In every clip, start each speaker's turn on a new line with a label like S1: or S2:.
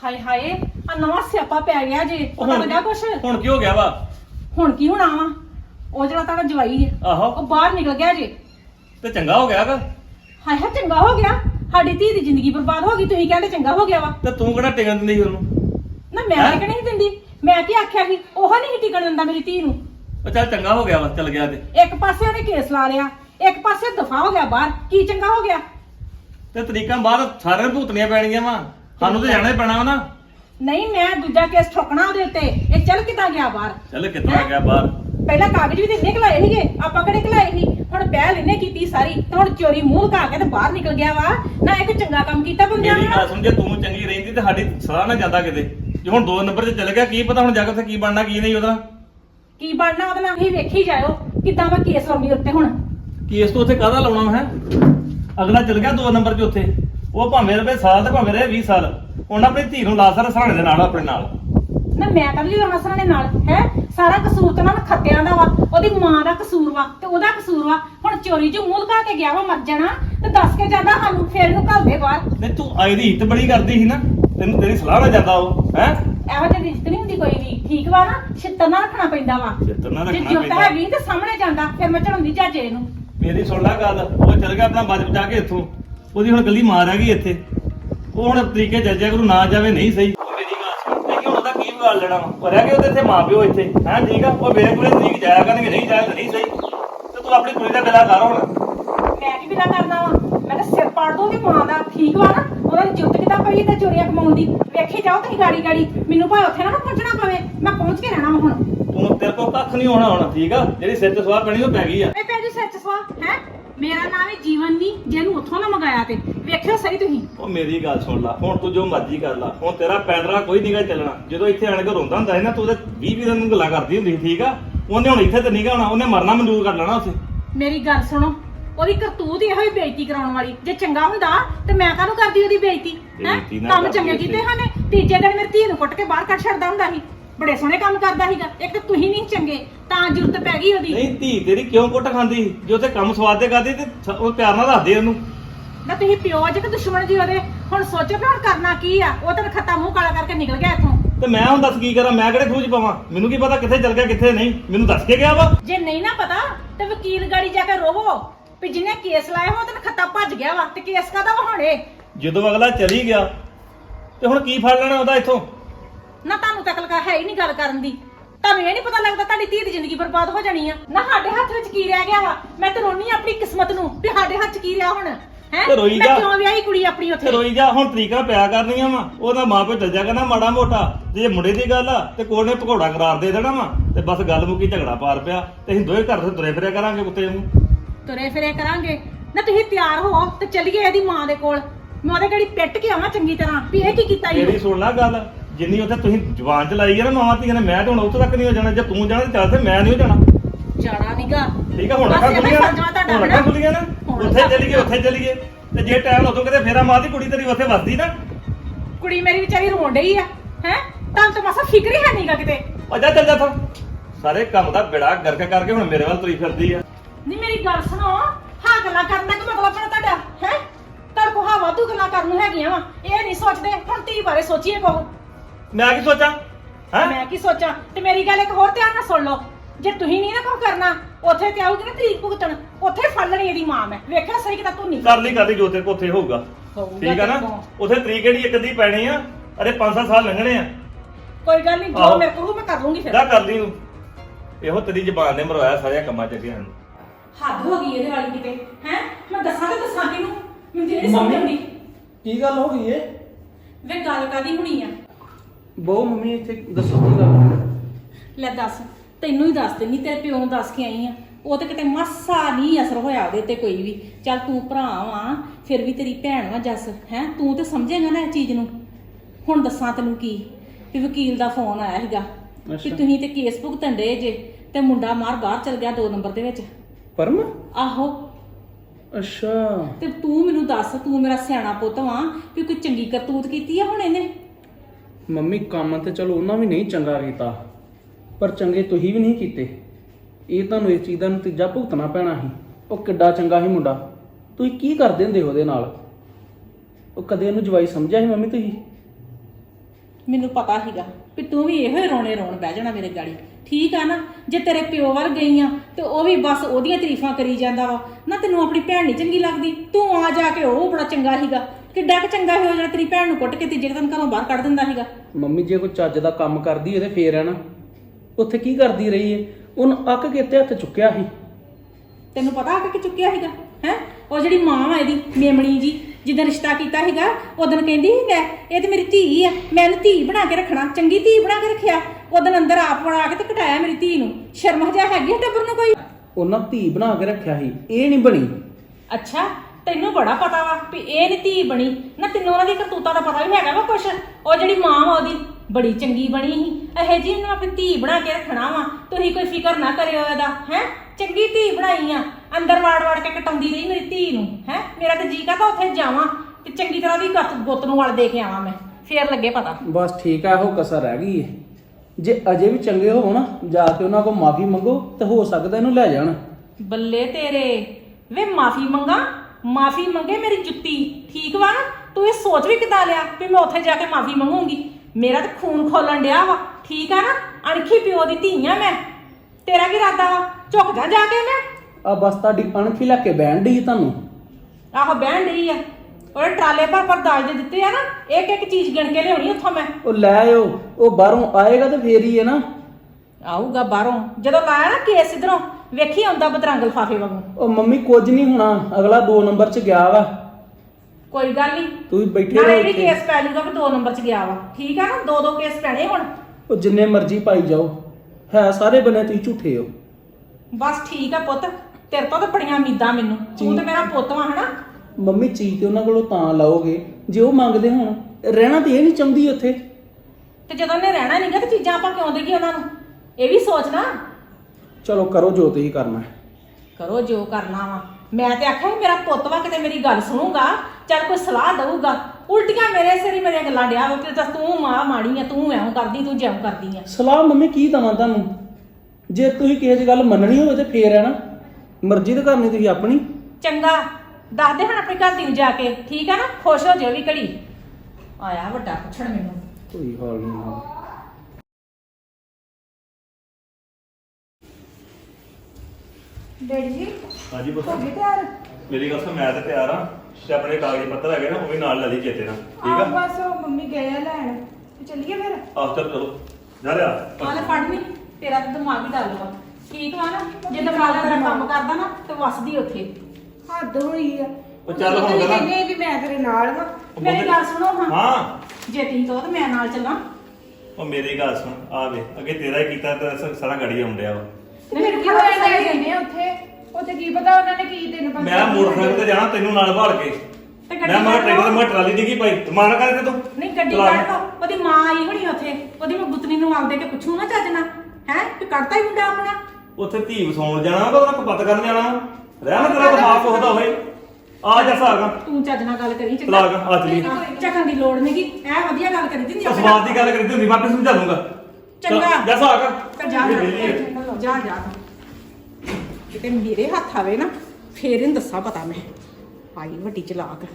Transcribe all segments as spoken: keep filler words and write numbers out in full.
S1: ਹਾਏ ਹਾਏ ਆ ਨਵਾਂ ਸਿਆਪਾ ਪੈ ਗਿਆ ਜੇ ਪਤਾ ਲੱਗਾ ਕੁਛ
S2: ਹੁਣ ਕੀ ਹੋ ਗਿਆ ਵਾ?
S1: ਹੁਣ ਕੀ ਹੋਣਾ ਵਾ? ਉਹ ਜਿਹੜਾ ਤੁਹਾਡਾ ਜਵਾਈ ਹੈ
S2: ਆਹੋ
S1: ਉਹ ਬਾਹਰ ਨਿਕਲ ਗਿਆ ਜੇ।
S2: ਤੇ ਚੰਗਾ ਹੋ ਗਿਆ ਗਾ।
S1: ਹਾਏ ਹਾਏ ਚੰਗਾ ਹੋ ਗਿਆ? ਸਾਡੀ ਧੀ ਦੀ ਜ਼ਿੰਦਗੀ ਬਰਬਾਦ ਹੋ ਗਈ, ਤੁਸੀਂ ਕਹਿੰਦੇ ਚੰਗਾ ਹੋ ਗਿਆ ਵਾ।
S2: ਤੇ ਤੂੰ ਕਿਹੜਾ ਟਿਕਣ ਦਿੰਦੀ ਸੀ ਉਹਨੂੰ?
S1: ਨਾ ਮੈਂ ਟਿਕਣ ਨਹੀਂ ਦਿੰਦੀ, ਮੈਂ ਕੀ ਆਖਿਆ ਸੀ? ਉਹ ਨਹੀਂ ਟਿਕਣ ਦਿੰਦਾ ਮੇਰੀ ਧੀ ਨੂੰ।
S2: ਉਹ ਚੱਲ ਚੰਗਾ ਹੋ ਗਿਆ ਵਾ, ਚੱਲ ਗਿਆ ਤੇ
S1: ਇੱਕ ਪਾਸੇ ਉਹਨੇ ਕੇਸ ਲਾ ਲਿਆ, ਇੱਕ ਪਾਸੇ ਦਫਾ ਹੋ ਗਿਆ ਬਾਹਰ। ਕੀ ਚੰਗਾ ਹੋ ਗਿਆ?
S2: ਤੇ ਤਰੀਕਾਂ ਬਾਅਦ ਸਾਰਿਆਂ ਨੂੰ ਭੁਗਤਣੀਆਂ ਪੈਣਗੀਆਂ ਵਾ, ਸਾਨੂੰ ਤੇ ਜਾਣਾ ਹੀ ਪੈਣਾ ਵਾ ਨਾ।
S1: ਨਹੀਂ ਮੈਂ ਦੂਜਾ ਕੇਸ ਠੋਕਣਾ ਉਹਦੇ ਉੱਤੇ। ਇਹ ਚੱਲ ਕਿੱਦਾਂ ਗਿਆ ਬਾਹਰ?
S2: ਚੱਲ ਕਿੱਦਾਂ ਗਿਆ ਬਾਹਰ?
S1: ਪਹਿਲਾਂ ਕਾਗਜ਼ ਵੀ ਤੇ ਇੰਨੇ ਘਲਾਏ ਸੀਗੇ, ਆਪਾਂ ਕਿਹੜੇ ਘਲਾਏ ਸੀ? ਹੁਣ ਪਹਿਲ ਇਹਨੇ ਕੀਤੀ ਸਾਰੀ, ਤੇ ਹੁਣ ਚੋਰੀ ਮੂੰਹ ਲਗਾ ਕੇ ਤੇ ਬਾਹਰ ਨਿਕਲ ਗਿਆ ਵਾ। ਨਾ ਇੱਕ ਚੰਗਾ ਕੰਮ ਕੀਤਾ ਬੰਦਿਆਂ
S2: ਮੇਰੀ
S1: ਨੇ।
S2: ਗੱਲ ਸੁਣ, ਜੇ ਤੂੰ ਚੰਗੀ ਰਹਿੰਦੀ ਤੇ ਸਾਡੀ ਸਲਾਹ ਨਾ ਜਾਂਦਾ ਕਿਤੇ। ਜੇ ਹੁਣ ਦੋ ਨੰਬਰ 'ਚ ਚੱਲ ਗਿਆ, ਕੀ ਪਤਾ ਹੁਣ ਜਾ ਕੇ ਉੱਥੇ ਕੀ ਬਣਨਾ ਕੀ ਨਹੀਂ ਉਹਦਾ।
S1: ਕੀ ਬਣਨਾ ਉਹਦੇ ਨਾਲ? ਹੀ ਵੇਖੀ ਜਾਇਓ ਕਿੱਦਾਂ ਵਾ ਕੇਸ ਲਾਉਂਦੀ ਉੱਤੇ। ਹੁਣ
S2: ਕੇਸ ਤੋਂ ਉੱਥੇ ਕਾਹਦਾ ਲਾਉਣਾ ਹੈ? ਅਗਲਾ ਚੱਲ ਗਿਆ ਦੋ ਨੰਬਰ 'ਚ ਉੱਥੇ, ਉਹ ਭਾਵੇਂ ਰਵੇ ਸਾਲ ਤੇ ਭਾਵੇਂ ਰਹੇ ਵੀਹ ਸਾਲ। ਹੁਣ ਆਪਣੀ ਧੀ ਨੂੰ ਲਾ ਸਾਰਾ ਸਹਾਣੇ ਦੇ ਨਾਲ ਆਪਣੇ ਨਾਲ।
S1: ਨਾ ਮੈਂ ਤਾਂ ਨਹੀਂ ਲਾਉਣਾ ਸਰਾਣੇ ਨਾਲ ਹੈ। ਸਾਰਾ ਕਸੂਰ ਤਾਂ ਨਾ ਖੱਤਿਆਂ ਦਾ ਵਾ, ਉਹਦੀ ਮਾਂ ਦਾ ਕਸੂਰ ਵਾ ਤੇ ਉਹਦਾ ਕਸੂਰ ਵਾ। ਹੁਣ ਚੋਰੀ 'ਚ ਮੂੰਹ ਲਗਾ ਕੇ ਗਿਆ ਵਾ, ਮਰ ਜਾਣਾ ਤੇ ਦੱਸ ਕੇ ਜਾਂਦਾ ਸਾਨੂੰ, ਫੇਰ ਇਹਨੂੰ ਘੱਲ ਦੇ ਬਾਹਰ।
S2: ਨਹੀਂ ਤੂੰ ਆਈ ਦੀ ਹਿੱਤ ਬੜੀ ਕਰਦੀ ਸੀ ਨਾ, ਤੈਨੂੰ ਤੇਰੀ ਸਲਾਹ ਨਾ ਜਾਂਦਾ ਉਹ ਹੈ।
S1: ਇਹੋ ਜਿਹੀ ਰਿਸ਼ਤ ਨਹੀਂ ਹੁੰਦੀ ਕੋਈ ਵੀ, ਠੀਕ ਵਾ ਨਾ? ਛਿੱਤਰ ਨਾਲ ਰੱਖਣਾ ਪੈਂਦਾ ਵਾ।
S2: ਛਿੱਤਰ ਨਾਲ
S1: ਜੇ
S2: ਰੱਖਣਾ
S1: ਜੁੱਤ
S2: ਪੈਂਦਾ।
S1: ਹੈਗੀ ਤੇ ਸਾਹਮਣੇ ਜਾਂਦਾ, ਫਿਰ ਮੈਂ ਚੜਾਉਂਦੀ ਜਾਜੇ ਇਹਨੂੰ।
S2: ਮੇਰੀ ਸੁਣ ਲੈ ਗੱਲ, ਉਹ ਚੱਲ ਗਿਆ ਆਪਣਾ ਬਚ ਬਚਾ ਕੇ ਇੱਥੋਂ। ਉਹਦੀ ਹੁਣ ਗੱਲੀ ਮਾਰ ਆ ਗਈ ਇੱਥੇ। ਉਹ ਹੁਣ ਤਰੀਕੇ ਜੱਜਿਆ ਕਰੂ, ਨਾ ਜਾਵੇ ਨਹੀਂ ਸਹੀ। ਮੇਰੀ ਗੱਲ ਸੁਣ, ਤੇ ਹੁਣ ਉਹਦਾ ਕੀ ਵਿਗਾੜ ਲੈਣਾ ਵਾ? ਪਰ ਹੈ ਕਿ ਉਹਦੇ ਇੱਥੇ ਮਾਂ ਪਿਓ ਇੱਥੇ ਹੈ, ਠੀਕ ਆ। ਉਹ ਮੇਰੇ ਕੋਲੇ ਤਰੀਕ ਜਾਇਆ ਕਰਨਗੇ, ਨਹੀਂ ਜਾਇਆ ਤਾਂ ਨਹੀਂ ਸਹੀ। ਤੇ ਤੂੰ ਆਪਣੀ ਕੁੜੀ ਦਾ ਬਿਲਾ ਕਰ ਹੁਣ।
S1: ਮੈਂ ਕੀ ਬਿਲਾ ਕਰਨਾ ਵਾ? ਮੈਂ ਤਾਂ ਸਿਰ ਪਾੜ ਦੂੰਗੀ ਮਾਂ ਦਾ, ਠੀਕ ਵਾ ਨਾ? ਉਹਨਾਂ ਦੀ ਜੁੱਤ ਕਿੱਦਾਂ ਪਈ ਤੇ ਚੋਰੀਆਂ ਕਮਾਉਣ ਦੀ। ਵੇਖੀ ਜਾਓ ਤੁਸੀਂ ਗਾੜੀ ਗਾੜੀ, ਮੈਨੂੰ ਭਾਵੇਂ ਉੱਥੇ ਨਾ ਨਾ ਪਹੁੰਚਣਾ ਪਵੇ, ਮੈਂ ਪਹੁੰਚ ਕੇ ਰਹਿਣਾ ਵਾ ਹੁਣ।
S2: ਤੂੰ ਤੇਰੇ ਕੋਲ ਕੱਖ ਨਹੀਂ ਹੋਣਾ ਹੁਣ, ਠੀਕ ਆ। ਜਿਹੜੀ ਸਿਰ ਤੇ ਸਵਾਹ ਪੈਣੀ ਉਹ ਪੈ ਗਈ ਆ।
S1: ਇਹ ਪੈਜੂ ਸੱਚ ਸਵਾ ਹੈ। ਮੇਰਾ ਨਾਮ ਹੈ ਜੀਵਨ ਨਹੀਂ, ਜਿਹਨੂੰ ਉੱਥੋਂ ਨਾ ਮੰਗਾਇਆ ਤੇ ਵੇਖਿਓ ਸਹੀ ਤੁਸੀਂ।
S2: ਉਹ ਮੇਰੀ ਗੱਲ ਸੁਣ ਲਾ, ਹੁਣ ਤੂੰ ਜੋ ਮਰਜ਼ੀ ਕਰ ਲਾ। ਹੁਣ ਤੇਰਾ ਪੈਂਦਰਾ ਕੋਈ ਨੀਗਾ ਚੱਲਣਾ। ਜਦੋਂ ਇੱਥੇ ਆਣ ਕੇ ਰੋਂਦਾ ਹੁੰਦਾ ਸੀ ਨਾ, ਤੂੰ ਉਹਦੇ ਵੀਹ ਵੀਹ ਦਿਨ ਨੂੰ ਗੱਲਾਂ ਕਰਦੀ ਹੁੰਦੀ ਸੀ, ਠੀਕ ਆ। ਉਹਨੇ ਹੁਣ ਇੱਥੇ ਤੇ ਨੀਗਾ ਹੋਣਾ, ਉਹਨੇ ਮਰਨਾ ਮਨਜ਼ੂਰ ਕਰ ਲੈਣਾ ਉੱਥੇ।
S1: ਮੇਰੀ ਗੱਲ ਸੁਣੋ, ਉਹਦੀ ਕਰਤੂਤ ਇਹੋ ਹੀ ਬੇਇੱਜ਼ਤੀ ਕਰਾਉਣ ਵਾਲੀ। ਜੇ ਚੰਗਾ ਹੁੰਦਾ ਤੇ ਮੈਂ ਕਾਹਨੂੰ ਕਰਦੀ ਉਹਦੀ ਬੇਇੱਜ਼ਤੀ ਹੈ?
S2: ਬੇਇੱਜ਼ਤੀ ਨਾ
S1: ਕੰਮ
S2: ਕਰਦੀ
S1: ਚੰਗੇ
S2: ਇੱਥੇ।
S1: ਕੀਤੇ ਹਨ। ਤੀਜੇ ਦਿਨ ਮੇਰੀ ਧੀ ਨੂੰ ਕੁੱਟ ਕੇ ਬਾਹਰ ਕੱਢ ਛੱਡਦਾ ਹੁੰਦਾ ਸੀ। ਬੜੇ ਸੋਹਣੇ ਕੰਮ ਕਰਦਾ ਸੀਗਾ। ਇੱਕ ਤਾਂ ਤੁਸੀਂ ਨਹੀਂ ਚੰਗੇ, ਤਾਂ ਜ਼ਰੂਰਤ ਪੈ ਗਈ ਉਹਦੀ।
S2: ਨਹੀਂ ਧੀ ਤੇਰੀ ਕਿਉਂ ਕੁੱਟ ਖਾਂਦੀ ਸੀ? ਜੇ ਉੱਥੇ ਕੰਮ ਸਵਾਦ ਦੇ ਕਰਦੀ ਤੇ ਸ- ਉਹ ਪਿਆਰ ਨਾਲ ਦੱਸਦੇ ਉਹਨੂੰ।
S1: ਨਾ ਤੁਸੀਂ ਪਿਓ ਜੇ ਕਿ ਦੁਸ਼ਮਣ ਜੀ ਉਹਦੇ। ਹੁਣ ਸੋਚੋ ਵੀ ਹੁਣ ਕਰਨਾ ਕੀ ਆ? ਉਹ ਤਾਂ ਖੱਤਾ ਮੂੰਹ ਕਾਲਾ ਕਰਕੇ ਨਿਕਲ ਗਿਆ ਇੱਥੋਂ।
S2: ਤੇ ਮੈਂ ਹੁਣ ਦੱਸ ਕੀ ਕਰਾਂ? ਮੈਂ ਕਿਹੜੇ ਖੂਜ ਪਾਵਾਂ? ਮੈਨੂੰ ਕੀ ਪਤਾ ਕਿੱਥੇ ਚੱਲ ਗਿਆ ਕਿੱਥੇ ਨਹੀਂ? ਮੈਨੂੰ ਦੱਸ ਕੇ ਗਿਆ ਵਾ।
S1: ਜੇ ਨਹੀਂ ਨਾ ਪਤਾ ਤੇ ਵਕੀਲ ਗਾੜੀ ਜਾ ਕੇ ਰੋਵੋ ਵੀ ਜਿਹਨੇ ਕੇਸ ਲਾਇਆ ਹੋ ਤੇ ਖੱਤਾ ਭੱਜ ਗਿਆ ਵਾ, ਤੇ ਕੇਸ ਕਾਹਦਾ ਵਾ ਹੁਣੇ?
S2: ਜਦੋਂ ਅਗਲਾ ਚਲੀ ਗਿਆ ਤੇ ਹੁਣ ਕੀ ਫੜ ਲੈਣਾ ਉਹਦਾ ਇੱਥੋਂ?
S1: ਨਾ ਤੁਹਾਨੂੰ ਤੱਕ ਲਗਾ ਹੈ ਹੀ ਨਹੀਂ ਗੱਲ ਕਰਨ ਦੀ। ਤੁਹਾਨੂੰ ਇਹ ਨਹੀਂ ਪਤਾ ਲੱਗਦਾ ਤੁਹਾਡੀ ਧੀ ਦੀ ਜ਼ਿੰਦਗੀ ਬਰਬਾਦ ਹੋ ਜਾਣੀ ਆ। ਨਾ ਸਾਡੇ ਹੱਥ ਵਿੱਚ ਕੀ ਰਹਿ ਗਿਆ ਵਾ? ਮੈਂ ਤਾਂ ਰੋਣੀ ਆਪਣੀ ਕਿਸਮਤ ਨੂੰ ਵੀ ਸਾਡੇ ਹੱਥ 'ਚ ਕੀ ਰਿਹਾ ਹੁਣ ਹੈ।
S2: ਤੇ ਰੋਈ
S1: ਮੈਂ
S2: ਜਾ।
S1: ਕਿਉਂ ਵਿਆਹੀ ਕੁੜੀ ਆਪਣੀ
S2: ਤੇ
S1: ਉੱਥੇ?
S2: ਰੋਈ ਜਾ। ਹੁਣ ਤਰੀਕਾਂ ਪਿਆ ਕਰਨੀਆਂ ਵਾ। ਉਹਦਾ ਮਾਂ ਪਿਓ ਚੱਲ ਜਾ ਕਰਨਾ ਮਾੜਾ ਮੋਟਾ। ਜੇ ਮੁੰਡੇ ਦੀ ਗੱਲ ਆ ਤੇ ਕੋਲ ਨੇ ਭਗੌੜਾ ਕਰਾਰ ਦੇ ਦੇਣਾ ਵਾ, ਤੇ ਬਸ ਗੱਲ ਮੁੱਕੀ, ਝਗੜਾ ਪਾਰ ਪਿਆ ਤੇ ਅਸੀਂ ਦੋਵੇਂ ਘਰ ਤੇ ਤੁਰੇ ਫਿਰਿਆ ਕਰਾਂਗੇ ਕੁੱਤੇ ਨੂੰ।
S1: ਤੁਰੇ ਫਿਰੇ ਕਰਾਂਗੇ। ਨਾ ਤੁਸੀਂ ਤਿਆਰ ਹੋ ਤੇ ਚੱਲੀਏ ਇਹਦੀ ਮਾਂ ਦੇ ਕੋਲ। ਮੈਂ ਉਹਦੇ ਗਾੜੀ ਪਿੱਟ ਕੇ ਆਵਾਂ ਚੰਗੀ ਤਰ੍ਹਾਂ ਵੀ ਇਹ ਕੀ ਕੀਤਾ
S2: ਮੇਰੀ
S1: ਇਹ।
S2: ਸੁਣ ਲੈ ਗੱਲ, ਜਿੰਨੀ ਉੱਥੇ ਤੁਸੀਂ ਜ਼ੁਬਾਨ ਚਲਾਈ ਆ ਨਾ ਮਾਵਾਂ ਧੀਆਂ ਨੇ, ਮੈਂ ਤੇ ਹੁਣ ਉੱਥੇ ਤੱਕ ਨਹੀਂ ਹੋ ਜਾਣਾ। ਜੇ ਤੂੰ ਜਾਣਾ ਤੇ ਚੱਲ, ਤੇ ਮੈਂ ਨਹੀਂ ਹੋ ਜਾਣਾ।
S1: ਜਾਣਾ ਨੀਗਾ।
S2: ਠੀਕ ਆ। ਹੁਣ
S1: ਬਸ
S2: ਅੱਖਾਂ
S1: ਇਹਦਾ
S2: ਖੁੱਲੀਆਂ
S1: ਫਰਜ਼ ਵਾ
S2: ਨਾ,
S1: ਤੁਹਾਡਾ
S2: ਹੁਣ
S1: ਨਾ।
S2: ਅੱਖਾਂ ਖੁੱਲੀਆਂ ਨਾ,
S1: ਹੁਣ
S2: ਉੱਥੇ
S1: ਅੱਖਾਂ
S2: ਚੱਲੀਏ ਉੱਥੇ ਚੱਲੀਏ। ਤੇ ਜੇ ਟਾਈਮ ਉਦੋਂ ਕਿਤੇ ਫੇਰਾ ਮਾਰਦੀ ਕੁੜੀ ਤੇਰੀ ਉੱਥੇ ਵੱਸਦੀ ਨਾ।
S1: ਕੁੜੀ ਮੇਰੀ ਵਿਚਾਰੀ ਰੋਣ ਡਈ ਆ ਹੈ। ਤੁਹਾਨੂੰ ਤਾਂ ਮਸਾ ਫਿਕਰ ਹੀ ਹੈ ਨਹੀਂਗਾ ਕਿਤੇ।
S2: ਉਹ ਜਾ ਚੱਲ ਜਾ ਥਾ। ਸਾਰੇ ਕੰਮ ਦਾ ਬਿੜਾ ਗਰਕ ਕਰਕੇ ਹੁਣ ਮੇਰੇ ਵੱਲ ਤੁਰੀ ਫਿਰਦੀ ਆ।
S1: ਨਹੀਂ ਮੇਰੀ ਗੱਲ ਸੁਣੋ, ਹਾਂ ਗੱਲਾਂ ਕਰਨ ਦਾ ਕੀ ਮਤਲਬ ਆਪਣਾ ਤੁਹਾਡਾ ਹੈ? ਤੁਹਾਡੇ ਕੋ ਹਾਂ ਵਾਧੂ ਗੱਲਾਂ ਕਰਨ ਨੂੰ ਹੈਗੀਆਂ ਵਾ, ਇਹ ਨਹੀਂ ਸੋਚਦੇ। ਹੁਣ ਧੀ ਬਾਰੇ ਸੋਚੀਏ ਕੋ।
S2: ਮੈਂ ਕੀ ਸੋਚਾਂ ਹੈ?
S1: ਮੈਂ ਕੀ ਸੋਚਾਂ? ਤੇ ਮੇਰੀ ਗੱਲ ਇੱਕ ਹੋਰ ਧਿਆਨ ਨਾਲ ਸੁਣ ਲਓ। ਜੇ ਤੁਸੀਂ ਨਹੀਂ ਨਾ ਕੁਝ ਕਰਨਾ, ਉੱਥੇ ਤੇ ਆਊਗੀ ਨਾ ਤਰੀਕ ਭੁਗਤਣ, ਉੱਥੇ ਫੜ ਲੈਣੀ ਇਹਦੀ ਮਾਂ। ਮੈਂ ਵੇਖਿਆ ਸਹੀ ਕਿਤਾ ਤੂੰ ਨਹੀਂ
S2: ਕਰ ਲਈ ਕਰ ਲਈ ਜੋ ਤੇਰੇ ਕੋਲ ਉੱਥੇ ਹੋਊਗਾ, ਠੀਕ ਆ ਨਾ। ਉੱਥੇ ਤਰੀਕ ਕਿਹੜੀ ਇੱਕ ਅੱਧੀ ਪੈਣੀ ਆ। ਅਰੇ ਪੰਜ ਸੱਤ ਸਾਲ ਲੰਘਣੇ ਆ।
S1: ਕੋਈ ਗੱਲ ਨਹੀਂ, ਜੋ ਮੇਰੇ ਕੋਲ ਮੈਂ ਕਰ ਲੂੰਗੀ ਫਿਰ।
S2: ਜਾ ਕਰ ਲਈ ਤੂੰ। ਇਹੋ ਤੇਰੀ ਜ਼ਬਾਨ ਨੇ ਮਰਵਾਇਆ ਸਾਰਿਆਂ ਕੰਮਾਂ ਚ ਅੱਗੇ ਹਨ।
S1: ਹੱਦ ਹੋ ਗਈ ਇਹਦੇ ਵਾਲੀ ਕਿਤੇ ਹੈ। ਮੈਂ ਦੱਸਾਂ ਤੇ ਦੱਸਾਂ ਕਿਨੂੰ? ਮੈਨੂੰ ਤੇ ਨਹੀਂ ਸਮਝ ਆਉਂਦੀ।
S3: ਕੀ ਗੱਲ ਹੋ ਗਈ ਏ?
S1: ਵੇ ਗੱਲ ਕਾਦੀ ਹੋਣੀ ਆ?
S3: ਬਹੁ ਮੰਮੀ ਇੱਥੇ ਦੱਸੋ ਕੀ ਗੱਲ?
S1: ਲੈ ਦੱਸ, ਤੈਨੂੰ ਹੀ ਦੱਸ ਦਿੰਨੀ, ਤੇਰੇ ਪਿਓ ਨੂੰ ਦੱਸ ਕੇ ਆਈ ਆ। ਉਹ ਤੇ ਕਿਤੇ ਮਾਸਾ ਨਹੀਂ ਅਸਰ ਹੋਇਆ ਉਹਦੇ ਤੇ ਕੋਈ ਵੀ। ਚੱਲ ਤੂੰ ਭਰਾ ਵਾਂ, ਫਿਰ ਵੀ ਤੇਰੀ ਭੈਣ ਵਾ ਜੱਸ ਹੈ। ਤੂੰ ਤੇ ਸਮਝੇਗਾ ਨਾ ਇਸ ਚੀਜ਼ ਨੂੰ। ਹੁਣ ਦੱਸਾਂ ਤੈਨੂੰ ਕੀ, ਵੀ ਵਕੀਲ ਦਾ ਫੋਨ ਆਇਆ ਸੀਗਾ ਕਿ ਤੁਸੀਂ ਤੇ ਕੇਸ ਭੁਗਤਣ ਦੇ ਜੇ, ਤੇ ਮੁੰਡਾ ਮਾਰ ਬਾਹਰ ਚਲ ਗਿਆ ਦੋ ਨੰਬਰ ਦੇ ਵਿੱਚ।
S3: ਪਰਮ?
S1: ਆਹੋ।
S3: ਅੱਛਾ।
S1: ਤੇ ਤੂੰ ਮੈਨੂੰ ਦੱਸ, ਤੂੰ ਮੇਰਾ ਸਿਆਣਾ ਪੁੱਤ ਵਾਂ, ਵੀ ਕੋਈ ਚੰਗੀ ਕਰਤੂਤ ਕੀਤੀ ਆ ਹੁਣ ਇਹਨੇ?
S3: ਮੰਮੀ ਕੰਮ ਤੇ ਚਲੋ ਉਹਨਾਂ ਵੀ ਨਹੀਂ ਚੰਗਾ ਕੀਤਾ, ਪਰ ਚੰਗੇ ਤੁਸੀਂ ਵੀ ਨਹੀਂ ਕੀਤੇ। ਇਹ ਤੁਹਾਨੂੰ ਇਸ ਚੀਜ਼ ਦਾ ਨਤੀਜਾ ਭੁਗਤਣਾ ਪੈਣਾ ਸੀ। ਉਹ ਕਿੱਡਾ ਚੰਗਾ ਸੀ ਮੁੰਡਾ, ਤੁਸੀਂ ਕੀ ਕਰਦੇ ਹੁੰਦੇ ਉਹਦੇ ਨਾਲ? ਉਹ ਕਦੇ ਉਹਨੂੰ ਜਵਾਈ ਸਮਝਿਆ ਸੀ ਮੰਮੀ ਤੁਸੀਂ?
S1: ਮੈਨੂੰ ਪਤਾ ਸੀਗਾ ਵੀ ਤੂੰ ਵੀ ਇਹੋ ਹੀ ਰੋਣੇ ਰੋਣ ਬਹਿ ਜਾਣਾ ਮੇਰੇ ਗਾੜੀ। ਠੀਕ ਆ ਨਾ, ਜੇ ਤੇਰੇ ਪਿਓ ਵੱਲ ਗਈ ਆ ਤੇ ਉਹ ਵੀ ਬਸ ਉਹਦੀਆਂ ਤਾਰੀਫਾਂ ਕਰੀ ਜਾਂਦਾ ਵਾ ਨਾ। ਤੈਨੂੰ ਆਪਣੀ ਭੈਣ ਨਹੀਂ ਚੰਗੀ ਲੱਗਦੀ? ਤੂੰ ਆ ਜਾ ਕੇ ਉਹ ਬੜਾ ਚੰਗਾ ਸੀਗਾ, ਕਿੱਡਾ ਕੁ ਚੰਗਾ ਹੋ ਜਿਹੜਾ ਤੇਰੀ ਭੈਣ ਨੂੰ ਕੁੱਟ ਕੇ ਤੀਜੇ ਦਿਨ ਘਰੋਂ ਬਾਹਰ ਕੱਢ ਦਿੰਦਾ ਸੀਗਾ।
S3: ਮੰਮੀ ਜੇ ਕੋਈ ਚੱਜ ਦਾ ਕੰਮ ਕਰਦੀ ਇਹਦੇ ਫੇਰ ਹੈ ਨਾ, ਉੱਥੇ ਕੀ ਕਰਦੀ ਰਹੀ ਏ? ਉਹਨੂੰ ਅੱਕ ਕੇ ਤੇ ਹੱਥ ਚੁੱਕਿਆ ਸੀ।
S1: ਤੈਨੂੰ ਪਤਾ ਆ ਕਿ ਚੁੱਕਿਆ ਸੀਗਾ ਹੈ? ਉਹ ਜਿਹੜੀ ਮਾਂ ਵਾ ਇਹਦੀ ਮੇਮਣੀ ਜੀ, ਜਿੱਦਾਂ ਰਿਸ਼ਤਾ ਕੀਤਾ ਸੀਗਾ ਉਦੋਂ ਕਹਿੰਦੀ ਸੀ ਲੈ ਇਹ ਤੇ ਮੇਰੀ ਧੀ ਆ, ਮੈਂ ਇਹਨੂੰ ਧੀ ਬਣਾ ਕੇ ਰੱਖਣਾ, ਚੰਗੀ ਧੀ ਬਣਾ ਕੇ ਰੱਖਿਆ। ਉਦੋਂ ਅੰਦਰ ਆਪ ਵੜਾ ਕੇ ਤੇ ਕਟਾਇਆ ਮੇਰੀ ਧੀ ਨੂੰ। ਸ਼ਰਮ ਹਜਾ ਹੈਗੀ ਟੱਬਰ ਨੂੰ ਕੋਈ?
S3: ਉਹਨਾਂ ਧੀ ਬਣਾ ਕੇ ਰੱਖਿਆ ਸੀ, ਇਹ ਨਹੀਂ ਬਣੀ।
S1: ਅੱਛਾ, ਤੈਨੂੰ ਬੜਾ ਪਤਾ ਵਾ ਵੀ ਇਹ ਨੀ ਧੀ ਬਣੀ ਨਾ। ਤੈਨੂੰ ਉਹਨਾਂ ਦੀ ਕਰਤੂਤਾਂ ਦਾ ਪਤਾ ਵੀ ਹੈਗਾ ਵਾ ਕੁਛ। ਉਹ ਜਿਹੜੀ ਮਾਂ ਵਾ ਉਹਦੀ ਬੜੀ ਚੰਗੀ ਬਣੀ ਸੀ, ਇਹੋ ਜਿਹੀ ਨੂੰ ਆਪਣੀ ਧੀ ਬਣਾ ਕੇ ਰੱਖਣਾ ਵਾ। ਤੁਸੀਂ ਕੋਈ ਫਿਕਰ ਨਾ ਕਰਿਓ ਇਹਦਾ ਹੈ। ਚੰਗੀ ਧੀ ਬਣਾਈ ਆ, ਅੰਦਰ ਵਾੜ ਵਾੜ ਕੇ ਕਟਾਉਂਦੀ ਰਹੀ ਮੇਰੀ ਧੀ ਨੂੰ ਹੈ। ਮੇਰਾ ਤੇ ਜੀ ਕਰਦਾ ਉੱਥੇ ਜਾਵਾਂ ਤੇ ਚੰਗੀ ਤਰ੍ਹਾਂ ਦੀ ਗੱਤ ਗੁੱਤ ਨੂੰ ਵਲ ਦੇ ਕੇ ਆਵਾਂ ਮੈਂ, ਫੇਰ ਲੱਗੇ ਪਤਾ।
S3: ਬਸ ਠੀਕ ਆ, ਇਹੋ ਕਸਰ ਰਹਿ ਗਈ ਏ। ਜੇ ਅਜੇ ਵੀ ਚੰਗੇ ਹੋਵੋ ਨਾ, ਜਾ ਕੇ ਉਹਨਾਂ ਕੋਲ ਮਾਫੀ ਮੰਗੋ ਤੇ ਹੋ ਸਕਦਾ ਇਹਨੂੰ ਲੈ ਜਾਣ।
S1: ਬੱਲੇ ਤੇਰੇ ਵੇ, ਮਾਫੀ ਮੰਗਾ? ਮਾਫੀ ਮੰਗੇ ਮੇਰੀ ਜੁੱਤੀ। ਠੀਕ ਵਾ ਨਾ? ਤੂੰ ਇਹ ਸੋਚ ਵੀ ਕਿੱਦਾਂ ਲਿਆ ਵੀ ਮੈਂ ਉੱਥੇ ਜਾ ਕੇ ਮਾਫੀ ਮੰਗੂੰਗੀ? ਮੇਰਾ ਤਾਂ ਖੂਨ ਖੋਲਣ ਡਿਆ ਵਾ। ਠੀਕ ਆ ਨਾ? ਅਣਖੀ ਪਿਓ ਦੀ ਧੀ ਆ ਮੈਂ। ਤੇਰਾ ਕੀ ਇਰਾਦਾ ਵਾ? ਝੁਕ ਜਾ ਜਾ ਕੇ ਮੈਂ।
S3: ਆ ਬਸ ਤੁਹਾਡੀ ਅਣਖੀ ਲੈ ਕੇ ਬਹਿਣ ਡਈ ਤੁਹਾਨੂੰ।
S1: ਆਹੋ ਬਹਿਣ ਡਈ ਆ। ਉਹਨੇ ਟਰਾਲੇ ਭਰ ਭਰ ਦਾਜ ਦੇ ਦਿੱਤੇ ਆ ਨਾ, ਇੱਕ ਇੱਕ ਚੀਜ਼ ਗਿਣ ਕੇ ਲਿਆਉਣੀ ਉੱਥੋਂ ਮੈਂ।
S3: ਉਹ ਲੈ ਆਓ, ਉਹ ਬਾਹਰੋਂ ਆਏਗਾ ਤੇ ਫੇਰ ਹੀ ਹੈ ਨਾ।
S1: ਆਊਗਾ ਬਾਹਰੋਂ, ਜਦੋਂ ਲਾਇਆ ਨਾ ਕੇਸ ਇਧਰੋਂ ਵੇਖੀ ਆਉਂਦਾ ਬਦਰੰਗ ਲਿਫਾਫੇ ਵਾਂਗੂ।
S3: ਉਹ ਮੰਮੀ ਕੁਝ ਨਹੀਂ ਹੋਣਾ, ਅਗਲਾ ਦੋ ਨੰਬਰ 'ਚ ਗਿਆ ਵਾ।
S1: ਕੋਈ ਗੱਲ ਨਹੀਂ,
S3: ਤੁਸੀਂ ਬੈਠੇ
S1: ਨਾਲੇ
S3: ਰਹੋ
S1: ਇਹ ਵੀ
S3: ਇੱਥੇ।
S1: ਕੇਸ ਪੈ ਜਾਊਗਾ ਵੀ ਦੋ ਨੰਬਰ 'ਚ ਗਿਆ ਵਾ। ਠੀਕ ਆ ਨਾ? ਦੋ ਦੋ ਕੇਸ ਪੈਣੇ ਹੁਣ।
S3: ਉਹ ਜਿੰਨੇ ਮਰਜ਼ੀ ਪਾਈ ਜਾਓ, ਹੈ ਸਾਰੇ ਬਨੇ ਤੁਸੀਂ ਝੂਠੇ ਹੋ।
S1: ਬਸ ਠੀਕ ਆ ਪੁੱਤ, ਤੇਰੇ ਤੋਂ ਤਾਂ ਬੜੀਆਂ ਉਮੀਦਾਂ ਮੈਨੂੰ। ਤੂੰ ਤੇ ਮੇਰਾ ਪੁੱਤ ਵਾ ਹਨਾ।
S3: ਮੰਮੀ ਚੀਜ਼ ਤੇ ਉਹਨਾਂ ਕੋਲੋਂ ਤਾਂ ਲਾਓਗੇ ਜੇ ਉਹ ਮੰਗਦੇ ਹੋਣ। ਰਹਿਣਾ ਤੇ ਇਹ ਨਹੀਂ ਚਾਹੁੰਦੀ ਉੱਥੇ।
S1: ਤੇ ਜਦੋਂ ਉਹਨੇ ਰਹਿਣਾ ਨਹੀਂਗਾ ਤੇ ਚੀਜ਼ਾਂ ਆਪਾਂ ਕਿਉਂ ਦੇਈਏ ਉਹਨਾਂ ਨੂੰ? ਇਹ ਵੀ ਸੋਚਣਾ।
S3: ਚਲੋ ਕਰੋ ਜੋ ਤੁਸੀਂ ਕਰਨਾ ਹੈ।
S1: ਕਰੋ ਜੋ ਕਰਨਾ ਵਾ। ਮੈਂ ਤੇ ਆਖਿਆ ਸੀ ਮੇਰਾ ਪੁੱਤ ਵਾ, ਕਿਤੇ ਮੇਰੀ ਗੱਲ ਸੁਣੂਗਾ, ਚੱਲ ਕੋਈ ਸਲਾਹ ਦਊਗਾ। ਉਲਟੀਆਂ ਮੇਰੇ ਸਿਰ ਹੀ ਮੇਰੀਆਂ ਗੱਲਾਂ ਡਿਆ ਵਾ ਕਿ ਦੱਸ ਤੂੰ ਮਾਂ ਮਾੜੀ ਆ, ਤੂੰ ਐਵੇਂ ਕਰਦੀ, ਤੂੰ ਜਿਉਂ ਕਰਦੀ ਆ।
S3: ਸਲਾਹ ਮੰਮੀ ਕੀ ਦਵਾਂ ਤੁਹਾਨੂੰ? ਜੇ ਤੁਸੀਂ ਕਿਸੇ ਦੀ ਗੱਲ ਮੰਨਣੀ ਹੋਵੇ ਤੇ ਫੇਰ ਹੈ ਨਾ, ਮਰਜ਼ੀ ਤਾਂ ਕਰਨੀ ਤੁਸੀਂ ਆਪਣੀ।
S1: ਚੰਗਾ, ਦੱਸ ਦੇ ਹੁਣ ਆਪਣੀ ਘਰ ਦੀ ਨੂੰ ਜਾ ਕੇ। ਠੀਕ ਆ ਨਾ? ਖੁਸ਼ ਹੋ ਜਾਓ ਵੀ ਘੜੀ। ਆਇਆ ਵੱਡਾ ਪੁੱਛਣ ਮੈਨੂੰ।
S3: ਕੋਈ ਹਾਲ ਨਹੀਂ।
S4: ਡੈਡੀ ਜੀ
S2: ਹਾਂਜੀ ਪੁੱਤ,
S4: ਹੋ ਗਏ ਤਿਆਰ?
S2: ਮੇਰੀ ਗੱਲ ਸੁਣ, ਮੈਂ ਤੇ ਤਿਆਰ ਆ ਤੇ ਆਪਣੇ ਕਾਗਜ਼ ਪੱਤਰ ਹੈਗੇ ਨਾ ਉਹ ਵੀ ਨਾਲ ਲੈ ਲਈ ਚੇਤੇ ਨਾਲ। ਠੀਕ
S4: ਆਹ
S2: ਆ?
S4: ਬਸ ਉਹ ਮੰਮੀ ਗਏ ਆ ਲੈਣ ਤੇ ਚੱਲੀਏ ਫਿਰ।
S2: ਆਹ ਚੱਲ ਚਲੋ ਜਾ ਲਿਆ।
S1: ਆਹ ਲੈ ਫੜ ਲਈ, ਤੇਰਾ ਤਾਂ ਦਿਮਾਗ ਹੀ ਡੱਲ ਵਾ। ਠੀਕ ਵਾ ਨਾ? ਜੇ ਦਿਮਾਗ ਤੇਰਾ ਕੰਮ ਕਰਦਾ ਨਾ ਤੇ ਵਸਦੀ ਉੱਥੇ।
S4: ਹੱਦ ਹੋਈ ਆ।
S2: ਉਹ ਚੱਲ ਹੁਣ
S4: ਤੁਸੀਂ
S2: ਗੱਲਾਂ-
S4: ਕਹਿੰਦੇ ਵੀ ਮੈਂ ਤੇਰੇ ਨਾਲ ਵਾ।
S1: ਮੇਰੀ ਗੱਲ ਸੁਣੋ ਹਾਂ।
S2: ਹਾਂ,
S1: ਜੇ ਤੁਸੀਂ ਕਹੋ ਤਾਂ ਮੈਂ ਨਾਲ ਚੱਲਾਂ।
S2: ਉਹ ਮੇਰੀ ਗੱਲ ਸੁਣ, ਆ ਵੇ ਅੱਗੇ ਤੇਰਾ ਹੀ ਕੀਤਾ ਤਾਂ ਸ- ਸਾਰਾ ਗਾੜੀ ਆਉਂਦਿਆ ਵਾ।
S4: ਤੇ ਫਿਰ ਕੀ ਹੋਇਆ ਲੈ ਜਾਂਦੇ ਆ ਉੱਥੇ? ਉੱਥੇ ਕੀ ਪਤਾ ਉਹਨਾਂ ਨੇ ਕੀ ਤੈਨੂੰ ਪਤਾ।
S2: ਮੈਂ ਮੋਟਰਸਾਈਕਲ ਤੇ ਜਾਣਾ ਤੈਨੂੰ ਨਾਲ ਭਾਲ ਕੇ।
S1: ਤੇ ਗੱਡੀ
S2: ਮੈਂ ਮਗਰ
S1: ਕੱਢ
S2: ਟਰੈਕਟਰ
S1: ਲਓ।
S2: ਮੈਂ ਟਰਾਲੀ ਦੀ ਕੀ ਪਾਈ ਤੁਮਾਨ ਕਰ ਦੇ ਤੂੰ।
S1: ਨਹੀਂ ਗੱਡੀ
S2: ਚਲਾ
S1: ਕੱਢ ਲਓ। ਉਹਦੀ ਮਾਂ ਆਈ ਹੋਣੀ ਉੱਥੇ, ਉਹਦੀ ਮੈਂ ਗੁੱਤਨੀ ਨੂੰ ਆਲ ਦੇ ਕੇ ਪੁੱਛੂ ਨਾ ਚੱਜ ਨਾਲ ਹੈ ਕਿ ਕੱਢਤਾ ਹੀ ਮੁੰਡਾ ਆਪਣਾ।
S2: ਉੱਥੇ ਧੀ ਵਸਾਉਣ ਜਾਣਾ ਵਾ, ਉਹਦਾ ਕਪੱਤ ਕਰਨ ਜਾਣਾ। ਰਹਿ ਨਾ ਤੇਰਾ ਦਿਮਾਗ ਉਹਦਾ ਹੋਏ। ਆ ਜਾ ਸਾਗਾ
S1: ਤੂੰ ਚੱਜ ਨਾਲ ਗੱਲ ਕਰੀ।
S2: ਚਲਾ ਗਾ, ਆ ਚਲੀ।
S1: ਚੱਕਣ ਦੀ ਲੋੜ ਨਹੀਂਗੀ, ਐ ਵਧੀਆ ਗੱਲ ਕਰੀ ਦਿੰਦੀ
S2: ਉਹ ਸਵਾਦ ਦੀ ਗੱਲ ਕਰਦੀ ਹੁੰਦੀ, ਮੈਂ ਆਪੇ ਸਮਝਾ ਦੂੰਗਾ।
S1: ਚੰਗਾ।
S2: ਜਾ ਸਾਗਾ
S1: ਤਾਂ ਜਾ ਜਾ ਜਾ ਕਿਤੇ ਮੇਰੇ ਹੱਥ ਆਵੇ ਨਾ ਫੇਰ ਇਹਨੂੰ ਦੱਸਾਂ ਪਤਾ ਮੈਂ। ਆਈ ਵੱਡੀ ਚਲਾਕ।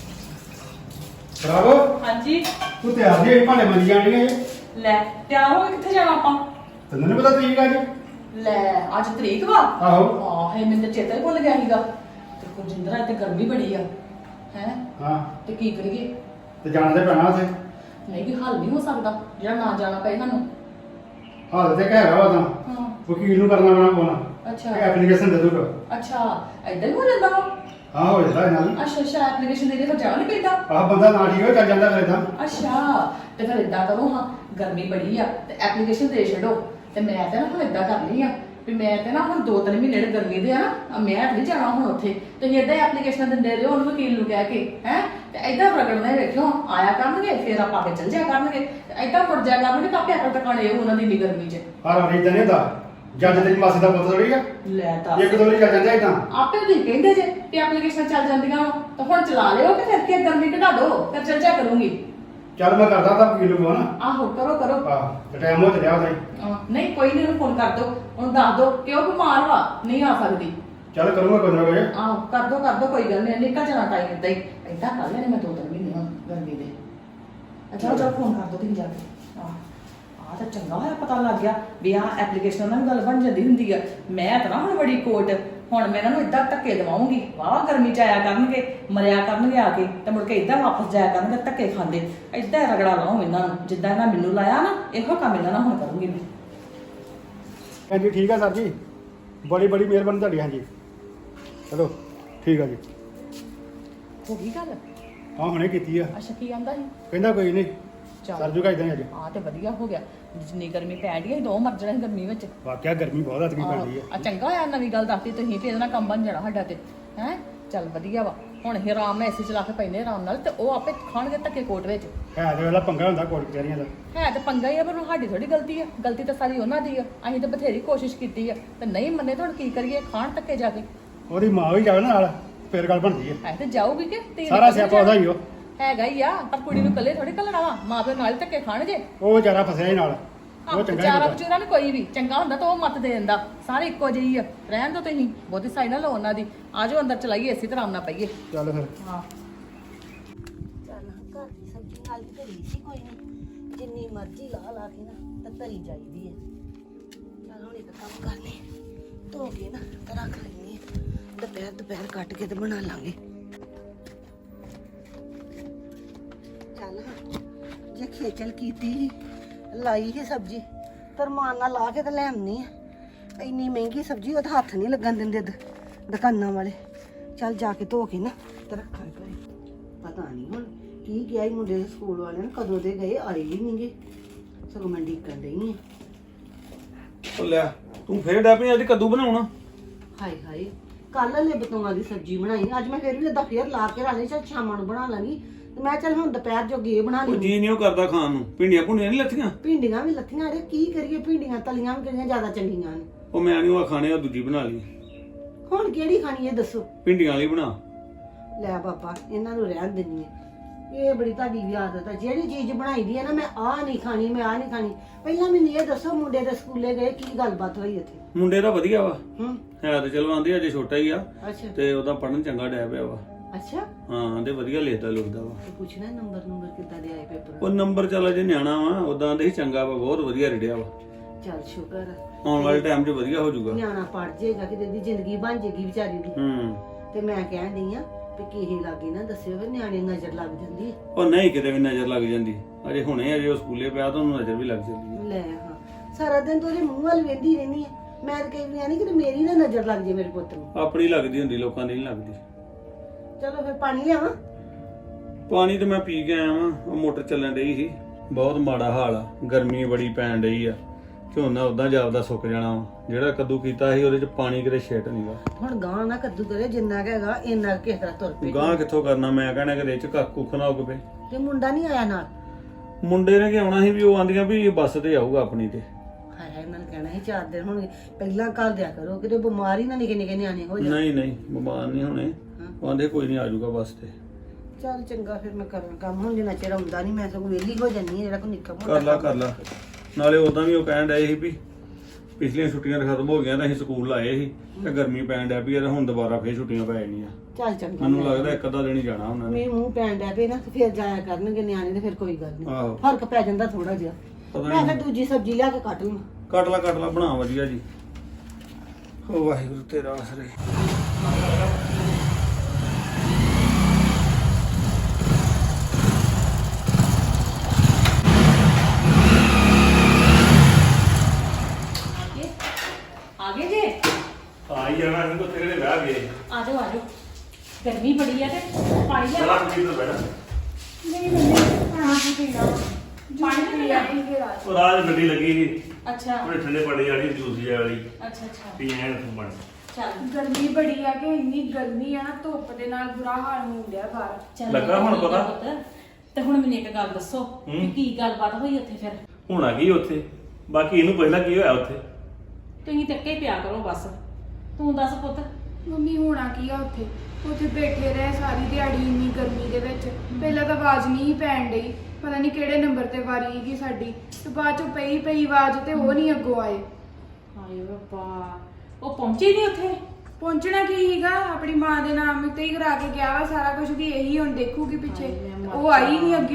S5: ਬਰਾਵੋ,
S1: ਹਾਂਜੀ
S5: ਤੂੰ ਤਿਆਰ ਜੀ ਭਾਂਡੇ ਮੰਜੀ ਜਾਣੀਆਂ ਜੇ।
S1: ਲੈ ਤਿਆਰ ਹੋ ਕੇ ਕਿੱਥੇ ਜਾਣਾ ਆਪਾਂ?
S5: ਤੈਨੂੰ ਨੀ ਪਤਾ ਤਰੀਕ ਅੱਜ?
S1: ਲੈ ਅੱਜ ਤਰੀਕ ਵਾ।
S5: ਆਹੋ।
S1: ਆਹ ਹੈ ਮੈਨੂੰ ਤਾਂ ਚੇਤਾ ਹੀ ਭੁੱਲ ਗਿਆ ਸੀਗਾ। ਤੇ ਕੁਲਜਿੰਦਰ ਇੱਥੇ ਗਰਮੀ ਬੜੀ ਆ ਹੈ
S5: ਹਾਂ,
S1: ਤੇ ਕੀ ਕਰੀਏ?
S5: ਤੇ ਜਾਣਾ ਤੇ ਪੈਣਾ ਉੱਥੇ।
S1: ਨਹੀਂ ਕਿ ਹੱਲ ਨਹੀਂ ਹੋ ਸਕਦਾ ਜਿਹੜਾ ਨਾ ਜਾਣਾ ਪਏ ਸਾਨੂੰ।
S5: ਹਾਲ ਤੇ ਕਹਿ ਰਹਾ ਤਾਂ
S1: ਹਾਂ
S5: ਵਕੀਲ ਨੂੰ ਕਰਨਾ ਪੈਣਾ ਫੋਨ।
S1: ਅੱਛਾ
S5: ਇਹ ਐਪਲੀਕੇਸ਼ਨ ਦੇ ਦੂਗਾ।
S1: ਅੱਛਾ ਏਦਾਂ ਹੀ ਹੋ ਜਾਂਦਾ ਵਾ?
S5: ਹਾਂ ਹੋ ਜਾਂਦਾ ਇਹਨਾਂ ਨੂੰ।
S1: ਅੱਛਾ ਅੱਛਾ ਐਪਲੀਕੇਸ਼ਨ ਦੇ ਦੇ ਫਿਰ ਜਾਣਾ ਨਹੀਂ ਪੈਂਦਾ?
S5: ਆਹ ਬੰਦਾ ਨਾ ਠੀਕ ਹੋ ਚੱਲ ਜਾਂਦਾ ਫਿਰ ਤਾਂ।
S1: ਅੱਛਾ ਤੇ ਫਿਰ ਇਦਾਂ ਕਰੋ ਹਾਂ, ਗਰਮੀ ਬੜੀ ਆ ਤੇ ਐਪਲੀਕੇਸ਼ਨ ਦੇ ਛੱਡੋ। ਤੇ ਮੈਂ ਤੇ ਨਾ ਹੁਣ ਇਦਾਂ ਕਰਨੀ ਆ ਵੀ ਮੈਂ ਤੇ ਨਾ ਹੁਣ ਦੋ ਤਿੰਨ ਮਹੀਨੇ ਦੇ ਗਰਮੀ ਦੇ ਆ ਨਾ, ਮੈਂ ਨਹੀਂ ਜਾਣਾ ਹੁਣ ਉੱਥੇ। ਤੁਸੀਂ ਇਦਾਂ ਹੀ ਐਪਲੀਕੇਸ਼ਨ ਦਿੰਦੇ ਰਹੋ ਉਹਨੂੰ ਵਕੀਲ ਨੂੰ ਕਹਿ ਕੇ ਹੈ। ਤੇ ਇਦਾਂ ਪ੍ਰਗਟਦੇ ਵੇਖਿਓ ਆਇਆ ਕਰਨਗੇ, ਫਿਰ ਆਪਾਂ ਕੇ ਚੱਲ ਜਾਇਆ ਕਰਨਗੇ। ਤੇ ਇਦਾਂ ਮੁੜ ਜਾਇਆ ਕਰਨਗੇ ਤਾਂ ਆਪੇ ਅਕਲ ਟਿਕਾਣੇ ਉਹਨਾਂ ਦੀ ਇੰਨੀ ਗਰਮੀ 'ਚ।
S5: ਹਰ ਵਾਰੀ ਇਦਾਂ ਨਹੀਂ ਹੁੰਦਾ। ਜੱਜ ਤੇਰੀ ਮਾਸੀ ਦਾ ਪੁੱਤ ਥੋੜੀ ਆ,
S1: ਲੈ ਤਾਂ
S5: ਇੱਕ ਦੋ ਵਾਰੀ ਚੱਲ ਜਾਂਦਾ ਇਦਾਂ।
S1: ਆਪੇ ਤੁਸੀਂ ਕਹਿੰਦੇ ਜੇ ਕਿ ਐਪਲੀਕੇਸ਼ਨ ਚੱਲ ਜਾਂਦੀਆਂ ਵਾ ਤਾਂ ਹੁਣ ਚਲਾ ਲਿਓ ਕਿ ਫਿਰ ਕੀ ਗਰਮੀ ਘਟਾ ਦਿਓ ਫਿਰ ਚੱਲ ਜਾ ਕਰੂੰਗੀ।
S5: ਚੱਲ ਮੈਂ ਕਰਦਾ ਤਾਂ ਵਕੀਲ ਨੂੰ ਫੋਨ।
S1: ਆਹੋ ਕਰੋ ਕਰੋ।
S5: ਆਹ ਤੇ ਟਾਈਮ ਹੋ ਚੱਲਿਆ ਉਹਦਾ ਹੀ।
S1: ਅਹ ਨਹੀਂ ਕੋਈ ਨਹੀਂ, ਉਹਨੂੰ ਫੋਨ ਕਰ ਦੋ, ਉਹਨੂੰ ਦੱਸ ਦੋ ਕਿ ਉਹ ਬਿਮਾਰ ਵਾ, ਨਹੀਂ ਆ ਸਕਦੀ।
S5: ਚੱਲ ਕਰੂੰਗਾ ਕੋਈ ਨਾ ਕੋਈ।
S1: ਆਹੋ ਕਰ ਦੋ ਕਰ ਦੋ, ਕੋਈ ਗੱਲ ਨਹੀਂ, ਨਿਕਲ ਜਾਣਾ ਟਾਈਮ ਏਦਾਂ ਹੀ। ਏਦਾਂ ਕਰ ਲੈਣੇ ਮੈਂ ਦੋ ਤਿੰਨ ਮਹੀਨੇ ਹੁਣ ਗਰਮੀ ਦੇ। ਅੱਛਾ ਚਲ ਫੋਨ ਕਰ ਦੋ ਤੁਸੀਂ ਜਾ ਕੇ ਆਹ ਆਹ ਤਾਂ ਚੰਗਾ ਹੋਇਆ ਪਤਾ ਲੱਗ ਗਿਆ ਵੀ ਆਹ ਐਪਲੀਕੇਸ਼ਨ ਨਾਲ ਵੀ ਗੱਲ ਬਣ ਜਾਂਦੀ ਹੁੰਦੀ ਆ ਮੈਂ ਤਾਂ ਨਾ ਹੁਣ ਬੜੀ ਕੋਟ ਹੁਣ ਮੈਂ ਇਹਨਾਂ ਨੂੰ ਇਦਾਂ ਧੱਕੇ ਦਵਾਉਂਗੀ ਵਾਹ ਗਰਮੀ ਚ ਆਇਆ ਕਰਨਗੇ ਮਰਿਆ ਕਰਨਗੇ ਆ ਕੇ ਤੇ ਮੁੜ ਕੇ ਇਦਾਂ ਵਾਪਸ ਜਾਇਆ ਕਰਨਗੇ ਧੱਕੇ ਖਾਂਦੇ ਇਦਾਂ ਰਗੜਾ ਲਾਉਂ ਇਹਨਾਂ ਨੂੰ ਜਿੱਦਾਂ ਇਹਨਾਂ ਮੈਨੂੰ ਲਾਇਆ ਨਾ ਇਹੋ ਕੰਮ ਇਹਨਾਂ ਨਾਲ ਹੁਣ ਕਰੂੰਗੀ ਮੈਂ
S5: ਹਾਂਜੀ ਠੀਕ ਆ ਸਰ ਜੀ ਬੜੀ ਬੜੀ ਮਿਹਰਬਾਨੀ ਤੁਹਾਡੀ ਹਾਂਜੀ ਚਲੋ ਠੀਕ ਆ ਜੀ
S1: ਹੋ ਗਈ ਗੱਲ
S5: ਹਾਂ ਹੁਣੇ ਕੀਤੀ ਆ
S1: ਅੱਛਾ ਕੀ ਆਂਦਾ ਸੀ
S5: ਕਹਿੰਦਾ ਕੋਈ ਨਹੀਂ
S1: ਚੱਲ।
S5: ਸਰ ਜੂਗਾ ਇਦਾਂ ਹੀ ਅੱਜ
S1: ਆ ਤੇ ਵਧੀਆ ਹੋ ਗਿਆ ਜਿੰਨੀ ਗਰਮੀ ਪੈ ਰਹੀ ਹੈ ਦੋ ਮਰ ਜਾਣਾ ਸੀ ਗਰਮੀ ਵਿੱਚ
S5: ਵਾਕਿਆ ਗਰਮੀ ਬਹੁਤ ਹੱਥ ਕੀ ਪੈਂਦੀ
S1: ਆ
S5: ਆ
S1: ਚੰਗਾ ਹੋਇਆ ਨਵੀਂ ਗੱਲ ਦੱਸਤੀ ਤੁਸੀਂ ਵੀ ਇਹਦੇ ਨਾਲ ਕੰਮ ਬਣ ਜਾਣਾ ਸਾਡਾ ਤੇ ਹੈ ਚੱਲ ਵਧੀਆ ਵਾ ਹੁਣ ਇਹ ਆਰਾਮ ਨਾਲ ਏਸੀ ਚਲਾ ਕੇ ਪੈਨੇ ਆਰਾਮ ਨਾਲ ਤੇ ਉਹ ਆਪੇ ਖਾਣਗੇ ਧੱਕੇ ਕੋਟ ਵਿੱਚ
S5: ਹੈ ਤੇ ਵੇਲਾ ਪੰਗਾ ਹੁੰਦਾ ਕੋਟ ਕਚਹਿਰੀਆਂ ਦਾ
S1: ਹੈ ਤੇ ਪੰਗਾ ਹੀ ਆ ਪਰ ਸਾਡੀ ਥੋੜੀ ਗਲਤੀ ਆ ਗਲਤੀ ਤਾਂ ਸਾਰੀ ਉਹਨਾਂ ਦੀ ਆ ਅਸੀਂ ਤਾਂ ਬਥੇਰੀ ਕੋਸ਼ਿਸ਼ ਕੀਤੀ ਆ ਤੇ ਨਹੀਂ ਮੰਨੇ ਤਾਂ ਹੁਣ ਕੀ ਕਰੀਏ ਖਾਣ ਧੱਕੇ ਜਾ ਕੇ
S5: ਉਹਦੀ ਮਾਂ ਵੀ ਜਾਵੇ ਨਾ ਨਾਲ ਫੇਰ ਗੱਲ ਬਣਦੀ ਆ
S1: ਹੈ ਤੇ ਜਾਊਗੀ ਕਿ ਤੀਨ
S5: ਸਾਰਾ ਸਿਆਪਾ ਉਹਦਾ ਹੀ ਉਹ
S1: ਹੈਗਾ ਹੀ ਆ ਪਰ ਕੁੜੀ ਨੂੰ ਇਕੱਲੇ ਥੋੜੀ ਕੱਲਣਾ ਵਾ ਮਾਂ ਪਿਓ ਨਾਲ ਹੀ ਧੱਕੇ ਖਾਣਗੇ
S5: ਉਹ ਵਿਚਾਰਾ ਫਸਿਆ ਹੀ ਨਾਲ ਉਹ ਚੰਗਾ ਹੀ
S1: ਵਿਚਾਰਾ
S5: ਹੁੰਦਾ
S1: ਵਿਚਾਰਾ ਨੂੰ ਕੋਈ ਵੀ ਚੰਗਾ ਹੁੰਦਾ ਤਾਂ ਉਹ ਮੱਤ ਦੇ ਦਿੰਦਾ ਸਾਰੇ ਇੱਕੋ ਜਿਹੀ ਆ ਰਹਿਣ ਦੋ ਤੁਸੀਂ ਬਹੁਤੀ ਸਾਈ ਨਾ ਲਓ ਉਹਨਾਂ ਦੀ ਆਜੋ ਅੰਦਰ ਚਲਾਈਏ ਇਸੇ ਤਰ੍ਹਾਂ ਨਾ ਪਈਏ
S5: ਚੱਲ ਫਿਰ
S1: ਹਾਂ
S6: ਚੱਲ ਘਰ ਦੀ ਸਬਜ਼ੀ ਨਾਲ ਵੀ ਧਰੀ ਸੀ ਕੋਈ ਨਹੀਂ ਜਿੰਨੀ ਮਰਜ਼ੀ ਲਾ ਲਾ ਕੇ ਨਾ ਤਾਂ ਧਰੀ ਜਾਈਦੀ ਹੈ ਚੱਲ ਹੁਣ ਇੱਕ ਕੰਮ ਕਰ ਲੈ ਧੋ ਕੇ ਨਾ ਤਾਂ ਰੱਖ ਲੈਣੀ ਹੈ ਦੁਪਹਿਰ ਦੁਪਹਿਰ ਕੱਟ ਕੇ ਤੇ ਬਣਾ ਲਾਂਗੇ ਚੱਲ ਹੁਣ ਜੇ ਖੇਚਲ ਕੀਤੀ ਸੀ, ਲਾਈ ਸੀ ਸਬਜ਼ੀ ਤਰਮਾਨ ਨਾਲ ਲਾ ਕੇ ਤੇ ਲੈ ਆਉਣੀ ਆ ਇੰਨੀ ਮਹਿੰਗੀ ਸਬਜ਼ੀ ਉਹਦਾ ਹੱਥ ਨਹੀਂ ਲੱਗਣ ਦਿੰਦੇ ਦ- ਦੁਕਾਨਾਂ ਵਾਲੇ ਚੱਲ ਜਾ ਕੇ ਧੋ ਕੇ ਨਾ ਤੇ ਰੱਖਾਂ ਘਰੇ ਪਤਾ ਨਹੀਂ ਹੁਣ ਕੀ ਗਿਆ ਹੀ ਮੁੰਡੇ ਦੇ ਸਕੂਲ ਵਾਲਿਆਂ ਨੇ ਕਦੋਂ ਦੇ ਗਏ ਆਏ ਹੀ ਨਹੀਂਗੇ ਸਗੋਂ ਮੈਂ ਡੀਕਣ ਡਈ ਆ
S3: ਉਹ ਲੈ ਤੂੰ ਫੇਰ ਡੈ ਪਈ ਅੱਜ ਕੱਦੂ ਬਣਾਉਣਾ
S6: ਹਾਏ ਹਾਏ ਕੱਲ ਲੈ ਬਤੂਆਂ ਦੀ ਸਬਜ਼ੀ ਬਣਾਈ ਅੱਜ ਮੈਂ ਫਿਰ ਵੀ ਏਦਾਂ ਫੇਰ ਲਾ ਕੇ ਰਾਣੀ ਚੱਲ ਸ਼ਾਮਾਂ ਨੂੰ ਬਣਾ ਲਾਂਗੀ ਤੇ ਮੈਂ ਚੱਲ ਹੁਣ ਦੁਪਹਿਰ ਜੋਗੀ ਇਹ ਬਣਾ
S3: ਉਹ
S6: ਲਈ
S3: ਜੀ ਨਹੀਂ ਉਹ ਕਰਦਾ ਖਾਣ ਨੂੰ ਭਿੰਡੀਆਂ ਭੁੰਡੀਆਂ ਨਹੀਂ ਲੱਥੀਆਂ
S6: ਭਿੰਡੀਆਂ ਵੀ ਲੱਥੀਆਂ ਅਰੇ ਕੀ ਕਰੀਏ ਭਿੰਡੀਆਂ ਤਲੀਆਂ ਵੀ ਕਿਹੜੀਆਂ ਜ਼ਿਆਦਾ ਚੰਗੀਆਂ ਨੇ
S3: ਉਹ ਮੈਂ ਨਹੀਂ ਉਹ ਖਾਣੇ ਉਹ ਦੂਜੀ ਬਣਾ ਲਈ
S6: ਹੁਣ ਕਿਹੜੀ ਖਾਣੀ ਹੈ ਦੱਸੋ
S3: ਭਿੰਡੀਆਂ ਵਾਲੀ ਬਣਾ
S6: ਲੈ ਬਾਬਾ ਇਹਨਾਂ ਨੂੰ ਰਹਿਣ ਦਿੰਨੀ ਹੈ ਇਹ ਬੜੀ ਤੁਹਾਡੀ ਵੀ ਆਦਤ ਹੈ ਜਿਹੜੀ ਚੀਜ਼ ਬਣਾਈ ਦੀ ਹੈ ਨਾ ਮੈਂ ਆਹ ਨਹੀਂ ਖਾਣੀ ਮੈਂ ਆਹ ਨਹੀਂ ਖਾਣੀ ਪਹਿਲਾਂ ਮੈਨੂੰ ਇਹ ਦੱਸੋ ਮੁੰਡੇ ਦੇ ਸਕੂਲੇ ਗਏ ਕੀ ਗੱਲਬਾਤ ਹੋਈ ਇੱਥੇ
S3: ਮੁੰਡੇ ਦਾ ਵਧੀਆ ਵਾ
S6: ਹੂੰ
S3: ਹੈ ਤੇ ਚਲੋ ਆਂਦੀ ਅਜੇ ਛੋਟਾ ਹੀ ਆ
S6: ਅੱਛਾ
S3: ਤੇ ਉਹਦਾ ਪੜਨ ਚੰਗਾ ਡੈ ਪਿਆ ਵਾ
S6: ਅੱਛਾ
S3: ਹਾਂ ਆਂਦੇ ਵਧੀਆ ਲਿਖਦਾ ਲੁਖਦਾ ਵਾ
S6: ਤੇ ਪੁੱਛਣਾ ਨੰਬਰ ਨੰਬਰ ਕਿੱਦਾਂ ਦੇ ਆਏ ਪੇਪਰ
S3: ਉਹ ਨੰਬਰ ਚੱਲ ਅਜੇ ਨਿਆਣਾ ਵਾ ਉਦਾਂ ਆਂਦੇ ਸੀ ਚੰਗਾ ਵਾ ਬਹੁਤ ਵਧੀਆ ਰਿੜਿਆ ਵਾ
S6: ਚੱਲ ਸ਼ੁਕਰ ਹੈ
S3: ਆਉਣ ਵਾਲੇ ਟਾਈਮ 'ਚ ਵਧੀਆ ਹੋ ਜਾਊਗਾ
S6: ਨਿਆਣਾ ਪੜ ਜਾਏਗਾ ਕਿਤੇ ਦੀ ਜ਼ਿੰਦਗੀ ਬਣ ਜਾਏਗੀ ਵਿਚਾਰੀ ਦੀ
S3: ਹੂੰ
S6: ਤੇ ਮੈਂ ਕਹਿਣ ਡਈ ਆ ਵੀ ਕਿਸੇ ਲਾਗੇ ਨਾ ਦੱਸਿਓ ਫਿਰ ਨਿਆਣੇ ਨੂੰ ਨਜ਼ਰ ਲੱਗ ਜਾਂਦੀ ਹੈ
S3: ਉਹ ਨਹੀਂ ਕਿਤੇ ਵੀ ਨਜ਼ਰ ਲੱਗ ਜਾਂਦੀ ਅਜੇ ਹੁਣੇ ਅਜੇ ਉਹ ਸਕੂਲੇ ਪਿਆ ਤਾਂ ਉਹਨੂੰ ਨਜ਼ਰ ਵੀ ਲੱਗ ਜਾਂਦੀ ਹੈ
S6: ਲੈ ਹਾਂ ਸਾਰਾ ਦਿਨ ਤੂੰ ਉਹਦੇ ਮੂੰਹ ਵੱਲ ਵੇਂਦੀ ਰਹਿੰਦੀ ਹੈ ਮੈਂ ਤਾਂ ਕਈ ਵਾਰ ਨਹੀਂ ਕਿ ਮੇਰੀ ਨਾ ਨਜ਼ਰ ਲੱਗ ਜੇ ਮੇਰੇ ਪੁੱਤ ਨੂੰ
S3: ਆਪਣੀ ਲੱਗਦੀ ਹੁੰਦੀ ਲੋਕਾਂ ਦੀ ਨਹੀਂ ਲੱਗਦੀ
S6: ਚਲੋ ਫਿਰ ਪਾਣੀ ਲਿਆਵਾਂ
S3: ਪਾਣੀ ਤੇ ਮੈਂ ਪੀ ਕੇ ਆਇਆ ਵਾਂ ਉਹ ਮੋਟਰ ਚੱਲਣ ਡਈ ਸੀ ਬਹੁਤ ਮਾੜਾ ਹਾਲ ਆ ਗਰਮੀ ਬੜੀ ਪੈਣ ਡਈ ਆ ਝੋਨਾ ਉਦਾਂ ਜਾਪਦਾ ਸੁੱਕ ਜਾਣਾ ਵਾ ਜਿਹੜਾ ਕੱਦੂ ਕੀਤਾ ਸੀ ਉਹਦੇ ਚ ਪਾਣੀ ਕਿਤੇ ਛਿੱਟ ਨਹੀਂਗਾ
S6: ਹੁਣ ਗਾਂ ਨਾ ਕੱਦੂ ਕਰੇ ਜਿੰਨਾ ਕੁ ਹੈਗਾ ਇੰਨਾ ਕੁ ਕਿਸੇ ਤਰ੍ਹਾਂ ਤੁਰ ਪਏ
S3: ਗਾਂ ਕਿੱਥੋਂ ਕਰਨਾ ਮੈਂ ਕਹਿਣਾ ਕਿ ਇਹ ਚ ਕੱਖ ਕੁੱਖ ਨਾ ਉੱਗ ਪਏ
S6: ਤੇ ਮੁੰਡਾ ਨਹੀਂ ਆਇਆ ਨਾਲ
S3: ਮੁੰਡੇ ਨੇ ਕਿ ਆਉਣਾ ਸੀ ਵੀ ਉਹ ਆਂਦੀਆਂ ਵੀ ਬੱਸ ਤੇ ਆਊਗਾ ਆਪਣੀ ਤੇ
S6: ਹਾਏ ਹਾਏ ਮੈਂ ਕਹਿਣਾ ਸੀ ਚਾਰ ਦਿਨ ਹੁਣ ਪਹਿਲਾਂ ਘਰ ਦਿਆ ਕਰੋ ਕਿਤੇ ਬਿਮਾਰੀ ਨਾ ਨਿੱਕੇ ਨਿੱਕੇ ਨਿਆਣੇ ਹੋ ਜਾਣ
S3: ਨਹੀਂ ਨਹੀਂ ਬਿਮਾਰ ਨਹੀਂ ਹੋਣੇ ਉਹ ਆਂਦੇ ਕੋਈ ਨਹੀਂ ਆ ਜਾਊਗਾ ਬੱਸ ਤੇ
S6: ਚੱਲ ਚੰਗਾ ਫਿਰ ਮੈਂ ਕਰਾਂ ਕੰਮ ਹੁਣ ਜਿੰਨਾ ਚਿਰ ਆਉਂਦਾ ਨਹੀਂ ਮੈਂ ਸਗੋਂ ਵਿਹਲੀ ਹੋ ਜਾਂਦੀ ਹਾਂ ਜਿਹੜਾ ਕੋਈ ਨਿੱਕਾ ਮੋਟਾ
S3: ਕਰ ਲਾ
S6: ਕੰਮ
S3: ਕਰ ਲਾ ਨਾਲੇ ਉਦਾਂ ਵੀ ਉਹ ਕਹਿਣ ਡਏ ਸੀ ਵੀ ਪਿਛਲੀਆਂ ਛੁੱਟੀਆਂ ਤਾਂ ਖਤਮ ਹੋ ਗਈਆਂ ਤਾਂ ਅਸੀਂ ਸਕੂਲ ਲਾਏ ਸੀ ਤੇ ਗਰਮੀ ਪੈਣ ਡਿਆ ਪਈ ਆ ਤੇ ਹੁਣ ਦੁਬਾਰਾ ਫੇਰ ਛੁੱਟੀਆਂ ਪੈ ਜਾਣੀਆਂ
S6: ਚੱਲ ਚੰਗਾ
S3: ਮੈਨੂੰ ਲੱਗਦਾ ਇੱਕ ਅੱਧਾ ਦਿਨ ਹੀ ਜਾਣਾ ਉਹਨਾਂ ਨੇ
S6: ਮੀਂਹ ਮੂੰਹ ਪੈਣ ਡਿਆ ਪਏ ਨਾ ਤੇ ਫਿਰ ਜਾਇਆ ਕਰਨਗੇ ਨਿਆਣੇ ਤੇ ਫਿਰ ਕੋਈ ਗੱਲ ਨਹੀਂ
S3: ਆਹੋ
S6: ਫਰਕ ਪੈ ਜਾਂਦਾ ਥੋੜਾ ਜਿਹਾ
S3: ਪਤਾ
S6: ਮੈਂ
S3: ਨਹੀਂ
S6: ਫਿਰ ਦੂਜੀ ਸਬਜ਼ੀ ਲਿਆ ਕੇ ਕੱਟ ਲਵਾਂ
S3: ਕੱਟ ਲਾ ਕੱਟ ਲਾ ਬਣਾ ਵਧੀਆ ਜੀ ਓ ਵਾਹਿਗੁਰੂ ਤੇਰਾ ਆਸਰੇ
S1: ਆ ਗਏ ਜੇ
S2: ਆ ਹੀ ਜਾਣਾ ਇਹਨੂੰ ਉੱਥੇ ਕਿਹੜੇ ਵਿਆਹ ਗਏ
S1: ਆ ਜਾਓ ਆ ਜਾਓ ਗਰਮੀ ਬੜੀ ਆ ਤੇ ਪਾਣੀ ਲਿਆ
S2: ਚਲਾ ਕੁੜੀ ਤੋਂ ਬੈਠਾ
S4: ਨਹੀਂ ਮੰਮੀ ਖਾਣਾ ਕੀ ਪੀਣਾ ਪਾਣੀ ਪੀ ਆਏਂਗੇ ਰਾਤ
S2: ਉਹ ਰਾਜ ਗੱਡੀ ਲੱਗੀ ਸੀ
S1: ਅੱਛਾ
S2: ਉਹਨੇ ਠੰਡੇ ਪਾਣੀ ਵਾਲੀ ਜੂਸ ਜਿਹਾ ਵਾਲੀ
S1: ਅੱਛਾ ਅੱਛਾ
S2: ਪੀ ਐਨ ਤੋਂ ਬਣ
S1: ਚੱਲ
S4: ਗਰਮੀ ਬੜੀ ਆ ਕਿ ਇੰਨੀ ਗਰਮੀ ਆ ਨਾ ਧੁੱਪ ਦੇ ਨਾਲ ਬੁਰਾ ਹਾਲ ਹੋਣ ਡਿਆ ਬਾਹਰ
S1: ਚੱਲ
S2: ਲੱਗਾ ਹੁਣ
S1: ਠੀਕ ਆ
S2: ਪਤਾ?
S1: ਪੁੱਤ। ਤੇ ਹੁਣ ਮੈਨੂੰ ਇੱਕ ਗੱਲ ਦੱਸੋ ਕਿ
S2: ਹੂੰ।
S1: ਕੀ ਗੱਲਬਾਤ ਹੋਈ ਉੱਥੇ ਫਿਰ
S2: ਹੁਣ ਆ ਗਈ ਉੱਥੇ ਬਾਕੀ ਇਹਨੂੰ ਪਹਿਲਾਂ ਕੀ ਹੋਇਆ ਉੱਥੇ
S1: ਤੁਸੀਂ ਟੱਕੇ ਪਿਆ ਕਰੋ ਬਸ ਤੂੰ ਦੱਸ ਪੁੱਤ
S4: ਮੰਮੀ ਹੋਣਾ ਕੀ ਆ ਉੱਥੇ ਉੱਥੇ ਬੈਠੇ ਰਹੇ ਸਾਰੀ ਦਿਹਾੜੀ ਇੰਨੀ ਗਰਮੀ ਦੇ ਵਿੱਚ ਪਹਿਲਾਂ ਤਾਂ ਆਵਾਜ਼ ਨਹੀਂ ਪੈਣ ਡਈ ਪਤਾ ਨਹੀਂ ਕਿਹੜੇ ਨੰਬਰ ਤੇ ਵਾਰੀ ਸੀਗੀ ਸਾਡੀ ਤੇ ਬਾਅਦ ਚੋਂ ਪਈ ਪਈ ਆਵਾਜ਼ ਤੇ ਉਹ ਨਹੀਂ ਅੱਗੋਂ ਆਏ
S1: ਹਾਏ ਰੱਬਾ ਉਹ ਪਹੁੰਚੀ ਨਹੀਂ ਉੱਥੇ
S4: ਪਹੁੰਚਣਾ ਕੀ ਸੀਗਾ ਆਪਣੀ ਮਾਂ ਦੇ ਨਾਮ ਉੱਤੇ ਹੀ ਕਰਾ ਕੇ ਗਿਆ ਵਾ ਸਾਰਾ ਕੁਝ ਵੀ ਇਹੀ ਹੁਣ ਦੇਖੂਗੀ ਪਿੱਛੇ
S1: ਹਾਏ, ਮੈਂ ਮਰ
S4: ਉਹ ਆਈ
S1: ਜਾਵਾਂ।
S4: ਨਹੀਂ ਅੱਗਿਓਂ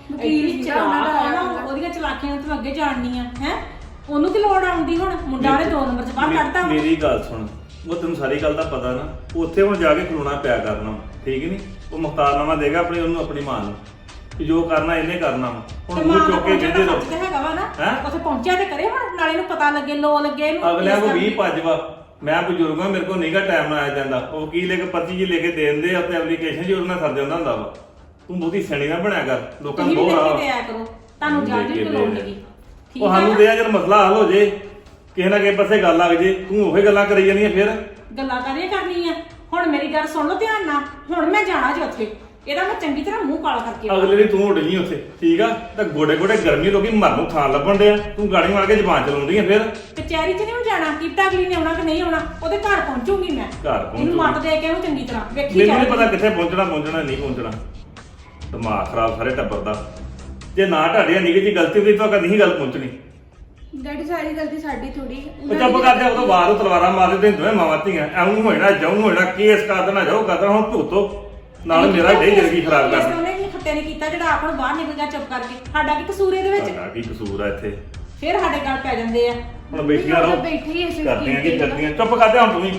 S4: ਵਕੀਲ
S1: ਐਡੀ
S4: ਸੀਗਾ ਉਹਨਾਂ ਦਾ
S1: ਚਲਾਕ ਆ
S4: ਆਇਆ
S1: ਨਾ,
S4: ਹੁੰਦਾ।
S1: ਉਹਦੀਆਂ ਚਲਾਕੀਆਂ ਤੂੰ ਅੱਗੇ ਜਾਣਨੀਆਂ ਹੈ ਉਹਨੂੰ ਕੀ ਲੋੜ ਆਉਂਦੀ ਹੁਣ ਮੁੰਡਾ ਨੇ ਦੋ ਨੰਬਰ ਚ ਬਾਹਰ ਕੱਢਤਾ ਵਾ।
S2: ਮੇਰੀ ਗੱਲ ਸੁਣ, ਉਹ ਤੈਨੂੰ ਸਾਰੀ ਗੱਲ ਦਾ ਪਤਾ ਨਾ, ਉੱਥੇ ਹੁਣ ਜਾ ਕੇ ਖਲੋਣਾ ਪਿਆ ਕਰਨਾ, ਠੀਕ ਨਹੀਂ? ਉਹ ਮੁਖਤਾਰਨਾਮਾ ਦੇਗਾ ਆਪਣੀ ਉਹਨੂੰ ਆਪਣੀ ਮਾਂ ਨੂੰ ਕਿ ਜੋ ਕਰਨਾ ਇਹਨੇ ਕਰਨਾ ਵਾ।
S1: ਤੇ
S2: ਹੁਣ
S1: ਮਾਂ
S2: ਮੂੰਹ
S1: ਦਾ
S2: ਚੁੱਕ ਕੇ
S1: ਪਹੁੰਚਣ
S2: ਕਹਿੰਦੇ
S1: ਦਾ
S2: ਰਹੋ
S1: ਸੱਚ ਤੇ ਹੈਗਾ ਵਾ ਨਾ
S2: ਹੈਂ?
S1: ਉੱਥੇ ਪਹੁੰਚਿਆ ਤੇ ਕਰੇ ਹੁਣ ਨਾਲੇ ਨੂੰ ਪਤਾ ਲੱਗੇ ਲੋ ਲੱਗੇ ਇਹਨੂੰ
S2: ਅਗਲਿਆਂ
S1: ਇਸ
S2: ਕੋ
S1: ਕਰਕੇ।
S2: ਵੀਹ ਭੱਜ ਵਾ, ਮੈਂ ਬਜ਼ੁਰਗ ਹਾਂ, ਮੇਰੇ ਕੋਲ ਨਹੀਂਗਾ ਟਾਈਮ ਨਾਲ ਆਇਆ ਜਾਂਦਾ। ਉਹ ਵਕੀਲ ਇੱਕ ਪਰਚੀ ਜੀ ਲੈ ਕੇ ਦੇ ਦਿੰਦੇ ਆ ਤੇ ਐਪਲੀਕੇਸ਼ਨ ਜੀ ਉਹਨਾਂ ਨਾਲ ਸਰ ਜਾਂਦਾ ਹੁੰਦਾ ਵਾ। ਤੂੰ ਬਹੁਤੀ ਸਿਆਣੀ ਨਾ ਬਣਿਆ ਕਰ, ਲੋਕਾਂ ਨੂੰ
S1: ਤੁਸੀਂ ਵੀ
S2: ਬਹੁਤ
S1: ਦੇਖ
S2: ਆ
S1: ਕੇ ਦਿਆ ਕਰੋ ਤੁਹਾਨੂੰ ਜੱਜ ਵੀ ਲੋੜ ਨਹੀਂ
S2: ਉਹ ਸਾਨੂੰ ਦੇ ਆ ਜਦ ਮਸਲਾ ਹੱਲ ਹੋ ਜੇ, ਕਿਸੇ ਨਾ ਕਿਸੇ ਪਾਸੇ ਗੱਲ ਲੱਗ ਜੇ, ਤੂੰ ਉਹੀ ਗੱਲਾਂ ਕਰੀ ਜਾਂਦੀਆਂ ਫਿਰ।
S1: ਗੱਲਾਂ ਕਰੀਏ ਕਰਨੀਆਂ ਹੁਣ ਮੇਰੀ ਗੱਲ ਸੁਣ ਲਓ ਧਿਆਨ ਨਾਲ ਹੁਣ ਮੈਂ ਜਾਣਾ ਜੀ ਉੱਥੇ ਇਹਦਾ ਮੈਂ ਚੰਗੀ ਤਰ੍ਹਾਂ ਮੂੰਹ ਕਾਲਾ ਕਰਕੇ ਆਉਣਾ।
S2: ਅਗਲੇ ਦੀ ਤੂੰ ਉੱਡ ਗਈ ਉੱਥੇ, ਠੀਕ ਆ? ਤਾਂ ਗੋਡੇ ਗੋਡੇ ਗਰਮੀ ਲੋਕੀ ਮਰਨ ਨੂੰ ਥਾਂ ਲੱਭਣ ਡਿਆ, ਤੂੰ ਗਾੜੀ ਮਾਰ ਕੇ ਜ਼ਬਾਨ ਚਲਾਉਂਦੀ ਆ ਫਿਰ।
S1: ਕਚਹਿਰੀ 'ਚ ਨਹੀਂ ਜਾਣਾ ਕੀਤਾ ਅਗਲੀ ਨੇ ਆਉਣਾ ਕਿ ਨਹੀਂ ਆਉਣਾ ਉਹਦੇ ਘਰ ਪਹੁੰਚੂਗੀ ਮੈਂ
S2: ਘਰ ਪਹੁੰਚੂਗੀ।
S1: ਇਹਨੂੰ ਮੱਤ ਦੇ ਕੇ ਉਹਨੂੰ ਚੰਗੀ ਤਰ੍ਹਾਂ ਵੇਖੀ
S2: ਮੈਨੂੰ ਨਹੀਂ
S1: ਜਾਊਗੀ।
S2: ਪਤਾ ਕਿੱਥੇ ਪਹੁੰਚਣਾ ਪਹੁੰਚਣਾ ਨਹੀਂ ਪਹੁੰਚਣਾ। ਦਿਮਾਗ ਖਰਾਬ ਸਾਰੇ ਟੱਬਰ ਦਾ। ਜੇ ਨਾ ਢਾੜਿਆ ਨਿੱਕੀ ਜੀ ਗਲਤੀ ਹੋਈ ਤਾਂ ਕਦੀ ਨਹੀਂ ਗੱਲ ਪਹੁੰਚਣੀ।
S4: ਡੈਡੀ ਸਾਰੀ ਗਲਤੀ ਸਾਡੀ ਥੋੜੀ
S2: ਉਹ ਚੁੱਪ ਕਰਦੇ ਉਦੋਂ ਬਾਹਰ ਉਹ ਤਲਵਾਰਾਂ ਮਾਰਦੇ ਤੇ ਦੋਵੇਂ ਮਾਵਾਂ ਧੀਆਂ ਐਉਂ ਹੋਣਾ ਜਾਉਂ ਹੋਣਾ ਕੇਸ ਕਰ ਦੇਣਾ ਜਾਓ ਕਰਦਾ ਹੁਣ ਭੁਗਤੋ ਨਾਲ ਮੇਰਾ ਢੇ ਜ਼ਿੰਦਗੀ ਖਰਾਬ ਕਰ ਦਿੱਤੀ।
S1: ਉਹਨੇ ਵੀ ਖੱਤੇ ਨੇ ਕੀਤਾ ਜਿਹੜਾ ਆਪ ਨੂੰ ਬਾਹਰ ਨਿਕਲ ਗਿਆ ਚੁੱਪ ਕਰਕੇ ਸਾਡਾ ਕੀ ਕਸੂਰ ਇਹਦੇ ਵਿੱਚ
S2: ਸਾਡਾ ਕੀ ਕਸੂਰ ਆ ਇੱਥੇ?
S1: ਫਿਰ ਸਾਡੇ ਗੱਲ ਪੈ ਜਾਂਦੇ ਆ
S2: ਹੁਣ ਬੈਠੀਆਂ ਰਹੋ,
S4: ਬੈਠੇ ਹੀ ਇਸੇ
S2: ਕਰਦੀਆਂ ਕੀ
S4: ਸਕੀਮ ਤੇ
S2: ਕਰਦੀਆਂ। ਚੁੱਪ ਕਰਦੇ ਹੁਣ ਤੂੰ ਵੀ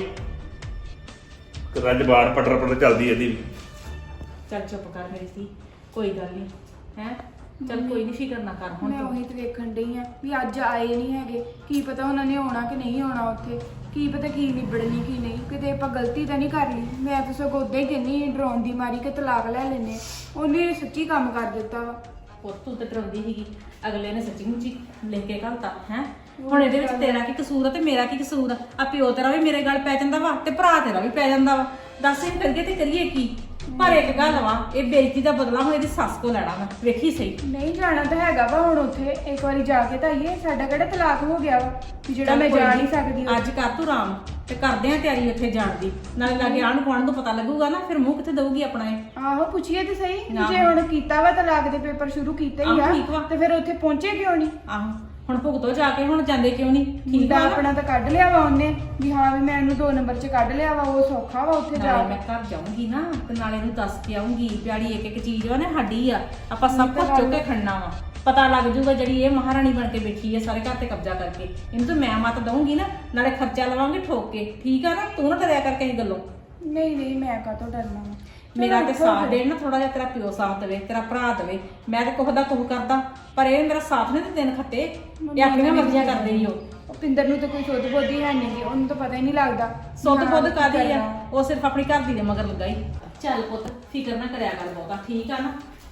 S2: ਰੱਜ ਬਾੜ ਪਟਰ ਪਟਰ ਚੱਲਦੀ ਇਹਦੀ ਵੀ।
S1: ਚੱਲ ਚੁੱਪ ਕਰ ਮੇਰੀ ਸੀ ਕੋਈ ਗੱਲ ਨਹੀਂ ਹੈ ਚੱਲ ਕੋਈ ਨਹੀਂ ਫਿਕਰ ਨਾ ਕਰ ਹੁਣ
S4: ਮੈਂ
S1: ਤੂੰ
S4: ਉਹੀ ਤੇ ਵੇਖਣ ਡਈ ਆ ਵੀ ਅੱਜ ਆਏ ਨਹੀਂ ਹੈਗੇ ਕੀ ਪਤਾ ਉਹਨਾਂ ਨੇ ਆਉਣਾ ਕਿ ਨਹੀਂ ਆਉਣਾ ਉੱਥੇ ਕੀ ਪਤਾ ਕੀ ਨਿਬੜਨੀ ਕੀ ਨਹੀਂ ਕਿਤੇ ਆਪਾਂ ਗਲਤੀ ਤਾਂ ਨਹੀਂ ਕਰ ਲਈ ਮੈਂ ਤਾਂ ਸਗੋਂ ਉਦਾਂ ਹੀ ਕਹਿੰਨੀ ਡਰਾਉਣ ਦੀ ਮਾਰੀ ਕਿ ਤਲਾਕ ਲੈ ਲੈਨੇ ਉਹਨੇ ਸੱਚੀ ਕੰਮ ਕਰ ਦਿੱਤਾ ਵਾ
S1: ਉਹ ਤੂੰ ਤੇ ਡਰਾਉਂਦੀ ਸੀਗੀ ਅਗਲੇ ਨੇ ਸੱਚੀ ਮੁੱਚੀ ਲਿਖ ਕੇ ਘਲਤਾ ਹੈ ਹੁਣ ਇਹਦੇ ਵਿੱਚ ਤੇਰਾ ਕੀ ਕਸੂਰ ਆ ਤੇ ਮੇਰਾ ਕੀ ਕਸੂਰ ਆ ਆ ਪਿਓ ਤੇਰਾ ਵੀ ਮੇਰੇ ਗੱਲ ਪੈ ਜਾਂਦਾ ਵਾ ਤੇ ਭਰਾ ਤੇਰਾ ਵੀ ਪੈ ਜਾਂਦਾ ਵਾ ਦੱਸ ਇਹ ਕਰੀਏ ਤੇ ਕਰੀਏ ਕੀ ਪਰ ਇੱਕ ਗੱਲ ਵਾ ਇਹ ਬੇਇੱਜ਼ਤੀ ਦਾ ਬਦਲਾ ਹੁਣ ਇਹਦੀ ਸੱਸ ਕੋ ਲੈਣਾ ਵਾ ਵੇਖੀ ਸਹੀ
S4: ਨਹੀਂ ਜਾਣਾ ਤਾਂ ਹੈਗਾ ਵਾ ਹੁਣ ਉੱਥੇ ਇੱਕ ਵਾਰੀ ਜਾ ਕੇ ਤਾਂ ਆਈਏ ਸਾਡਾ ਕਿਹੜਾ ਤਲਾਕ ਹੋ ਗਿਆ ਵਾ ਵੀ ਜਿਹੜਾ
S1: ਚੱਲ
S4: ਮੈਂ
S1: ਕੋਈ
S4: ਜਾ
S1: ਨੀ,
S4: ਨਹੀਂ ਸਕਦੀ ਉੱਥੇ।
S1: ਅੱਜ ਕਰ ਤੂੰ ਆਰਾਮ ਤੇ ਕਰਦੇ ਆ ਤਿਆਰੀ ਉੱਥੇ ਜਾਣ ਦੀ ਨਾਲੇ ਲਾਗੇ ਆਣ ਕੋਣ ਨੂੰ ਪਤਾ ਲੱਗੂਗਾ ਨਾ ਫਿਰ ਮੂੰਹ ਕਿੱਥੇ ਦਊਗੀ ਆਪਣਾ ਇਹ
S4: ਆਹੋ ਪੁੱਛੀਏ ਤੇ ਸਹੀ
S1: ਆਹੋ।
S4: ਜੇ ਹੁਣ ਕੀਤਾ ਵਾ ਤਲਾਕ ਦੇ ਪੇਪਰ ਸ਼ੁਰੂ ਕੀਤੇ ਹੀ
S1: ਆਹੋ, ਠੀਕ ਵਾ।
S4: ਆ ਤੇ ਫਿਰ ਉੱਥੇ ਪਹੁੰਚੇ ਕਿਉਂ ਨਹੀਂ
S1: ਆਹੋ ਹੁਣ ਭੁਗਤੋ ਜਾ ਕੇ ਹੁਣ ਜਾਂਦੇ ਕਿਉਂ ਨਹੀਂ ਠੀਕ
S4: ਮੁੰਡਾ
S1: ਆ ਨਾ?
S4: ਆਪਣਾ ਤਾਂ ਕੱਢ ਲਿਆ ਵਾ ਉਹਨੇ ਵੀ ਹਾਂ ਵੀ ਮੈਂ ਇਹਨੂੰ ਦੋ ਨੰਬਰ 'ਚ ਕੱਢ ਲਿਆ ਵਾ ਉਹ ਸੌਖਾ ਵਾ ਉੱਥੇ ਜਾ
S1: ਨਾਲੇ
S4: ਕੇ
S1: ਮੈਂ ਘਰ ਜਾਊਂਗੀ ਨਾ ਤੇ ਨਾਲੇ ਇਹਨੂੰ ਦੱਸ ਕੇ ਆਉਂਗੀ ਪਿਆੜੀ ਇੱਕ ਇੱਕ ਚੀਜ਼ ਵਾ ਨਾ ਸਾਡੀ ਆ ਆਪਾਂ ਸਭ
S4: ਇਹ ਤਾਂ
S1: ਕੁਝ ਚੁੱਕ ਕੇ
S4: ਗੱਲ-
S1: ਖੜਨਾ ਵਾ ਪਤਾ ਲੱਗ ਜੂਗਾ ਜਿਹੜੀ ਇਹ ਮਹਾਰਾਣੀ ਬਣ ਕੇ ਬੈਠੀ ਹੈ ਸਾਰੇ ਘਰ ਤੇ ਕਬਜ਼ਾ ਕਰਕੇ ਇਹਨੂੰ ਤਾਂ ਮੈਂ ਮਤ ਦਊਂਗੀ ਨਾ ਨਾਲੇ ਖਰਚਾ ਲਵਾਂਗੇ ਠੋਕ ਕੇ ਠੀਕ ਆ ਨਾ ਤੂੰ ਨਾ ਡਰਿਆ ਕਰਕੇ ਇਹ ਗੱਲੋਂ
S4: ਨਹੀਂ ਨਹੀਂ ਮੈਂ ਕਾਹਤੋਂ ਡਰਨਾ ਵਾ
S1: ਮੇਰਾ ਤੇ
S4: ਚਲੋ
S1: ਸਾਥ
S4: ਫਿਰ।
S1: ਦੇਣ ਨਾ ਥੋੜਾ ਜਿਹਾ ਤੇਰਾ ਪਿਓ ਸਾਥ ਦੇਵੇ ਤੇਰਾ ਭਰਾ ਦੇਵੇ ਮੈਂ ਤੇ ਕੁਝ ਦਾ ਕੁਝ ਕਰਦਾ ਪਰ ਇਹ ਮੇਰਾ ਸਾਥ ਨਹੀਂ ਤੇ ਦਿਨ ਖੱਤੇ ਇਹ ਆਪਣੀਆਂ ਮਰਜ਼ੀਆਂ ਕਰਦੇ ਹੀ ਉਹ
S4: ਉਹ ਪਿੰਦਰ ਨੂੰ ਤਾਂ ਕੋਈ ਸੁੱਧ ਬੁੱਧ ਹੀ ਹੈ ਨਹੀਂ ਗੀ ਉਹਨੂੰ ਤਾਂ ਪਤਾ ਹੀ ਨਹੀਂ ਲੱਗਦਾ
S1: ਸੁੱਧ
S4: ਵੀ ਹਾਂ
S1: ਬੁੱਧ
S4: ਕੀ
S1: ਕਾਦੀ ਆ
S4: ਕਰਨਾ।
S1: ਉਹ ਸਿਰਫ ਆਪਣੀ ਘਰ ਦੀ ਦੇ ਮਗਰ ਲੱਗਾ ਹੀ ਚੱਲ ਪੁੱਤ ਫਿਕਰ ਨਾ ਕਰਿਆ ਕਰ ਬਹੁਤਾ ਠੀਕ ਆ ਨਾ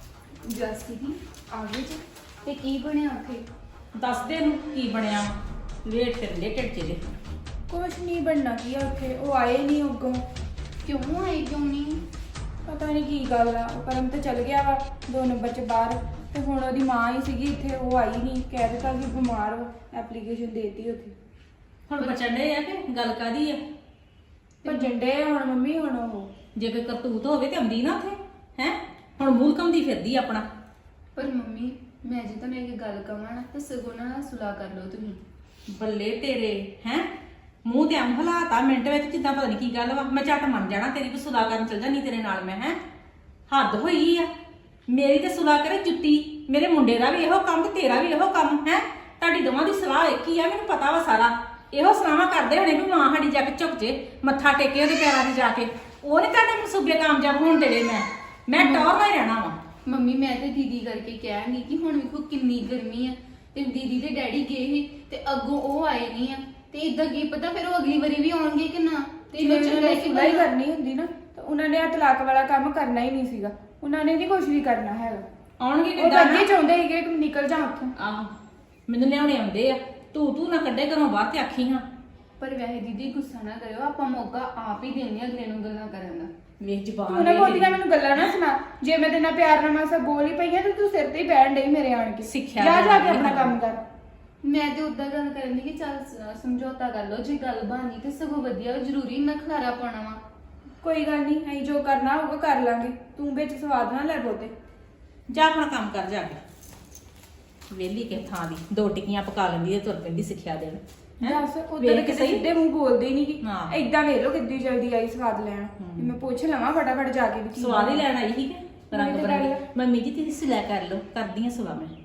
S7: ਜਸ ਦੀਦੀ ਆ ਗਏ ਜੀ ਤੇ ਕੀ ਬਣਿਆ ਉੱਥੇ
S1: ਦੱਸ ਦੇ ਨੂੰ ਕੀ ਬਣਿਆ ਵੇਟ ਕਰ ਲੈ ਟੱਚੇ ਦੇ
S4: ਕੁਛ ਨਹੀਂ ਬਣਨਾ ਕੀ ਆ ਉੱਥੇ ਉਹ ਆਏ ਨਹੀਂ ਅੱਗੋਂ
S7: ਕਿਉਂ ਆਏ ਕਿਉਂ ਨਹੀਂ
S4: ਪਤਾ ਨਹੀਂ ਕੀ ਗੱਲ ਆ ਉਹ ਪਰਮ ਤੇ ਚਲ ਗਿਆ ਵਾ ਦੋ ਨੰਬਰ 'ਚ ਬਾਹਰ ਤੇ ਹੁਣ ਉਹਦੀ ਮਾਂ ਹੀ ਸੀਗੀ ਇੱਥੇ ਉਹ ਆਈ ਨਹੀਂ ਕਹਿ ਦਿੱਤਾ ਕਿ ਬਿਮਾਰ ਵਾ ਐਪਲੀਕੇਸ਼ਨ ਦੇਤੀ ਉੱਥੇ
S1: ਹੁਣ ਬਚਣ ਦੇ ਆ ਕਿ ਗੱਲ ਕਾਦੀ ਆ
S4: ਭੱਜਣ ਡੇ ਹੁਣ ਮੰਮੀ ਹੁਣ ਉਹ
S1: ਜੇ ਕੋਈ ਕਰਤੂਤ ਹੋਵੇ ਤੇ ਆਉਂਦੀ ਨਾ ਉੱਥੇ ਹੈ ਹੁਣ ਮੂਲ ਕੰਮਦੀ ਫਿਰਦੀ ਆਪਣਾ
S7: ਪਰ ਮੰਮੀ ਮੈਂ ਜੇ ਤੁਹਾਨੂੰ ਇੱਕ ਗੱਲ ਕਹਾਂ ਨਾ ਤੇ ਸਗੋਂ ਨਾਲ ਸੁਲਾਹ ਕਰ ਲਓ ਤੁਸੀਂ
S1: ਬੱਲੇ ਤੇਰੇ ਹੈ ਮੂੰਹ ਤੇ ਅੰਮ ਹਲਾਤਾ ਮਿੰਟ ਵਿੱਚ ਜਿੱਦਾਂ ਪਤਾ ਨਹੀਂ ਕੀ ਗੱਲ ਵਾ ਮੈਂ ਝੱਟ ਮੰਨ ਜਾਣਾ ਤੇਰੀ ਵੀ ਸੁਲਾਹ ਕਰਨ ਚੱਲ ਜਾਣੀ ਤੇਰੇ ਨਾਲ ਮੈਂ ਹੈ ਹੱਦ ਹੋਈ ਆ ਮੇਰੀ ਤੇ ਸੁਲਾਹ ਕਰੇ ਜੁੱਤੀ ਮੇਰੇ ਮੁੰਡੇ ਦਾ ਵੀ ਇਹੋ ਕੰਮ ਤੇ ਤੇਰਾ ਵੀ ਇਹੋ ਕੰਮ ਹੈ ਤੁਹਾਡੀ ਦੋਵਾਂ ਦੀ ਸਲਾਹ ਇੱਕ ਹੀ ਆ ਮੈਨੂੰ ਪਤਾ ਵਾ ਸਾਰਾ ਇਹੋ ਸਲਾਹਾਂ ਕਰਦੇ ਹੋਣੇ ਵੀ ਮਾਂ ਸਾਡੀ ਜਾ ਕੇ ਝੁਕ ਜੇ ਮੱਥਾ ਟੇਕੇ ਉਹਦੇ ਪੈਰਾਂ 'ਤੇ ਜਾ ਕੇ ਉਹ ਨਹੀਂ ਤੁਹਾਡੇ ਮਨਸੂਬੇ ਕਾਮਯਾਬ ਹੋਣ ਦੇਣੇ ਮੈਂ ਮੈਂ ਟੌਰ ਨਾਲ ਹੀ ਰਹਿਣਾ ਵਾ
S7: ਮੰਮੀ ਮੈਂ ਤੇ ਦੀਦੀ ਕਰਕੇ ਕਹਾਂਗੀ ਕਿ ਹੁਣ ਵੇਖੋ ਕਿੰਨੀ ਗਰਮੀ ਆ ਤੇ ਦੀਦੀ ਦੇ ਡੈਡੀ ਗਏ ਸੀ ਤੇ ਅੱਗੋਂ ਉਹ ਆਏ ਨਹੀਂ ਆ ਤੇ ਇਦਾਂ ਕੀ ਪਤਾ ਫਿਰ ਉਹ ਅਗਲੀ ਵਾਰੀ ਵੀ ਆਉਣਗੇ ਕਿ ਨਾ ਤੇ
S4: ਜੇ
S7: ਇਹਨੂੰ
S4: ਉਹਨਾਂ
S7: ਚੰਗਾ
S4: ਨੇ
S7: ਕਿ
S4: ਸੁਲਾਹ ਹੀ ਕਰਨੀ ਹੁੰਦੀ ਨਾ ਤਾਂ ਉਹਨਾਂ ਨੇ ਆ ਤਲਾਕ ਵਾਲਾ ਕੰਮ ਕਰਨਾ ਹੀ ਨਹੀਂ ਸੀਗਾ ਉਹਨਾਂ ਨੇ ਨਹੀਂ ਕੁਝ ਵੀ ਕਰਨਾ ਹੈਗਾ
S1: ਆਉਣਗੇ
S4: ਉਹ ਤਾਂ
S1: ਕਿੱਦਾਂ
S4: ਅੱਗੇ
S1: ਨਾ
S4: ਚਾਹੁੰਦੇ ਸੀਗੇ ਕਿ ਨਿਕਲ ਜਾ ਉੱਥੋਂ
S1: ਆਹੋ ਮੈਨੂੰ ਲਿਆਉਣੇ ਆਉਂਦੇ ਆ ਤੂੰ ਤੂੰ ਨਾ ਕੱਢੇ ਘਰੋਂ ਬਾਹਰ ਤੇ ਆਖੀ ਹਾਂ
S7: ਪਰ ਵੈਸੇ ਦੀਦੀ ਗੁੱਸਾ ਨਾ ਕਰਿਓ ਆਪਾਂ ਮੌਕਾ ਆਪ ਹੀ ਦੇਣੇ ਅਗਲੇ ਨੂੰ ਗੱਲਾਂ ਕਰਨ ਦਾ
S1: ਵੇਖ ਜ਼ਬਾਨ
S4: ਤੂੰ ਨਾ
S1: ਵੇਖ
S4: ਬਹੁਤੀਆਂ
S1: ਇਹਦੀ।
S4: ਮੈਨੂੰ ਗੱਲਾਂ ਨਾ ਸੁਣਾ ਜੇ ਮੈਂ ਤੇਰੇ ਨਾਲ ਪਿਆਰ ਨਾਲ ਮਾਸਾ ਬੋਲ ਹੀ ਪਈ ਆ ਤੇ ਤੂੰ ਸਿਰ ਤੇ ਹੀ ਬੈਠ ਡਈ ਮੇਰੇ ਆਣ ਕੇ
S1: ਸਿੱਖਿਆ
S4: ਜਾ ਜਾ ਕੇ
S1: ਦੇਣੀ
S4: ਆਪਣਾ
S1: ਹੈ।
S4: ਕੰਮ ਕਰ
S7: ਮੈਂ ਤੇ ਉਦਾਂ ਗੱਲ ਕਰਨ ਦੀ ਕਿ ਚੱਲ ਸ- ਸਮਝੌਤਾ ਕਰ ਲਓ ਜੇ ਗੱਲ ਬਾਨੀ ਤੇ ਸਗੋਂ ਵਧੀਆ ਵਾ, ਜ਼ਰੂਰੀ ਨਾ ਖਲਾਰਾ ਪਾਉਣਾ ਵਾ
S4: ਕੋਈ ਗੱਲ ਨਹੀਂ ਅਸੀਂ ਜੋ ਕਰਨਾ ਹੋਊਗਾ ਕਰ ਲਾਂਗੇ ਤੂੰ ਵਿੱਚ ਸਵਾਦ ਨਾ ਲੈ ਬੋਤੇ
S1: ਜਾ ਆਪਣਾ ਕੰਮ ਕਰ ਜਾ ਕੇ ਵੇਲੀ ਕੇ ਥਾਂ ਦੀ ਦੋ ਟਿੱਕੀਆਂ ਪਕਾ ਲੈਂਦੀ ਤੇ ਤੁਰ ਪੈਂਦੀ ਸਿੱਖਿਆ ਦੇਣ ਹੈਂ?
S4: ਦੱਸ ਉਧਰ
S1: ਵੇਖ
S4: ਕਿਸੇ
S1: ਸਹੀ।
S4: ਸਿੱਧੇ ਮੂੰਹ ਬੋਲਦੇ ਹੀ ਨਹੀਂ ਕਿ
S1: ਹਾਂ।
S4: ਏਦਾਂ ਵੇਖ ਲੋ ਕਿੱਦੀ ਜਲਦੀ ਆਈ ਸਵਾਦ ਲੈਣ ਵੀ ਮੈਂ ਪੁੱਛ ਲਵਾਂ ਫਟਾਫਟ ਜਾ ਕੇ ਵੀ ਕੀ
S1: ਸਵਾਦ ਹੀ ਲੈਣ ਆਈ ਸੀ ਕਿ ਰੰਗ
S4: ਉਹੀ ਤਾਂ
S1: ਬਰੰਗੇ
S4: ਗੱਲ ਆ।
S1: ਮੰਮੀ ਜੀ ਤੁਸੀਂ ਸਿਲਾ ਕਰ ਲਓ ਕਰਦੀ ਆ ਸਵਾ ਮੈਂ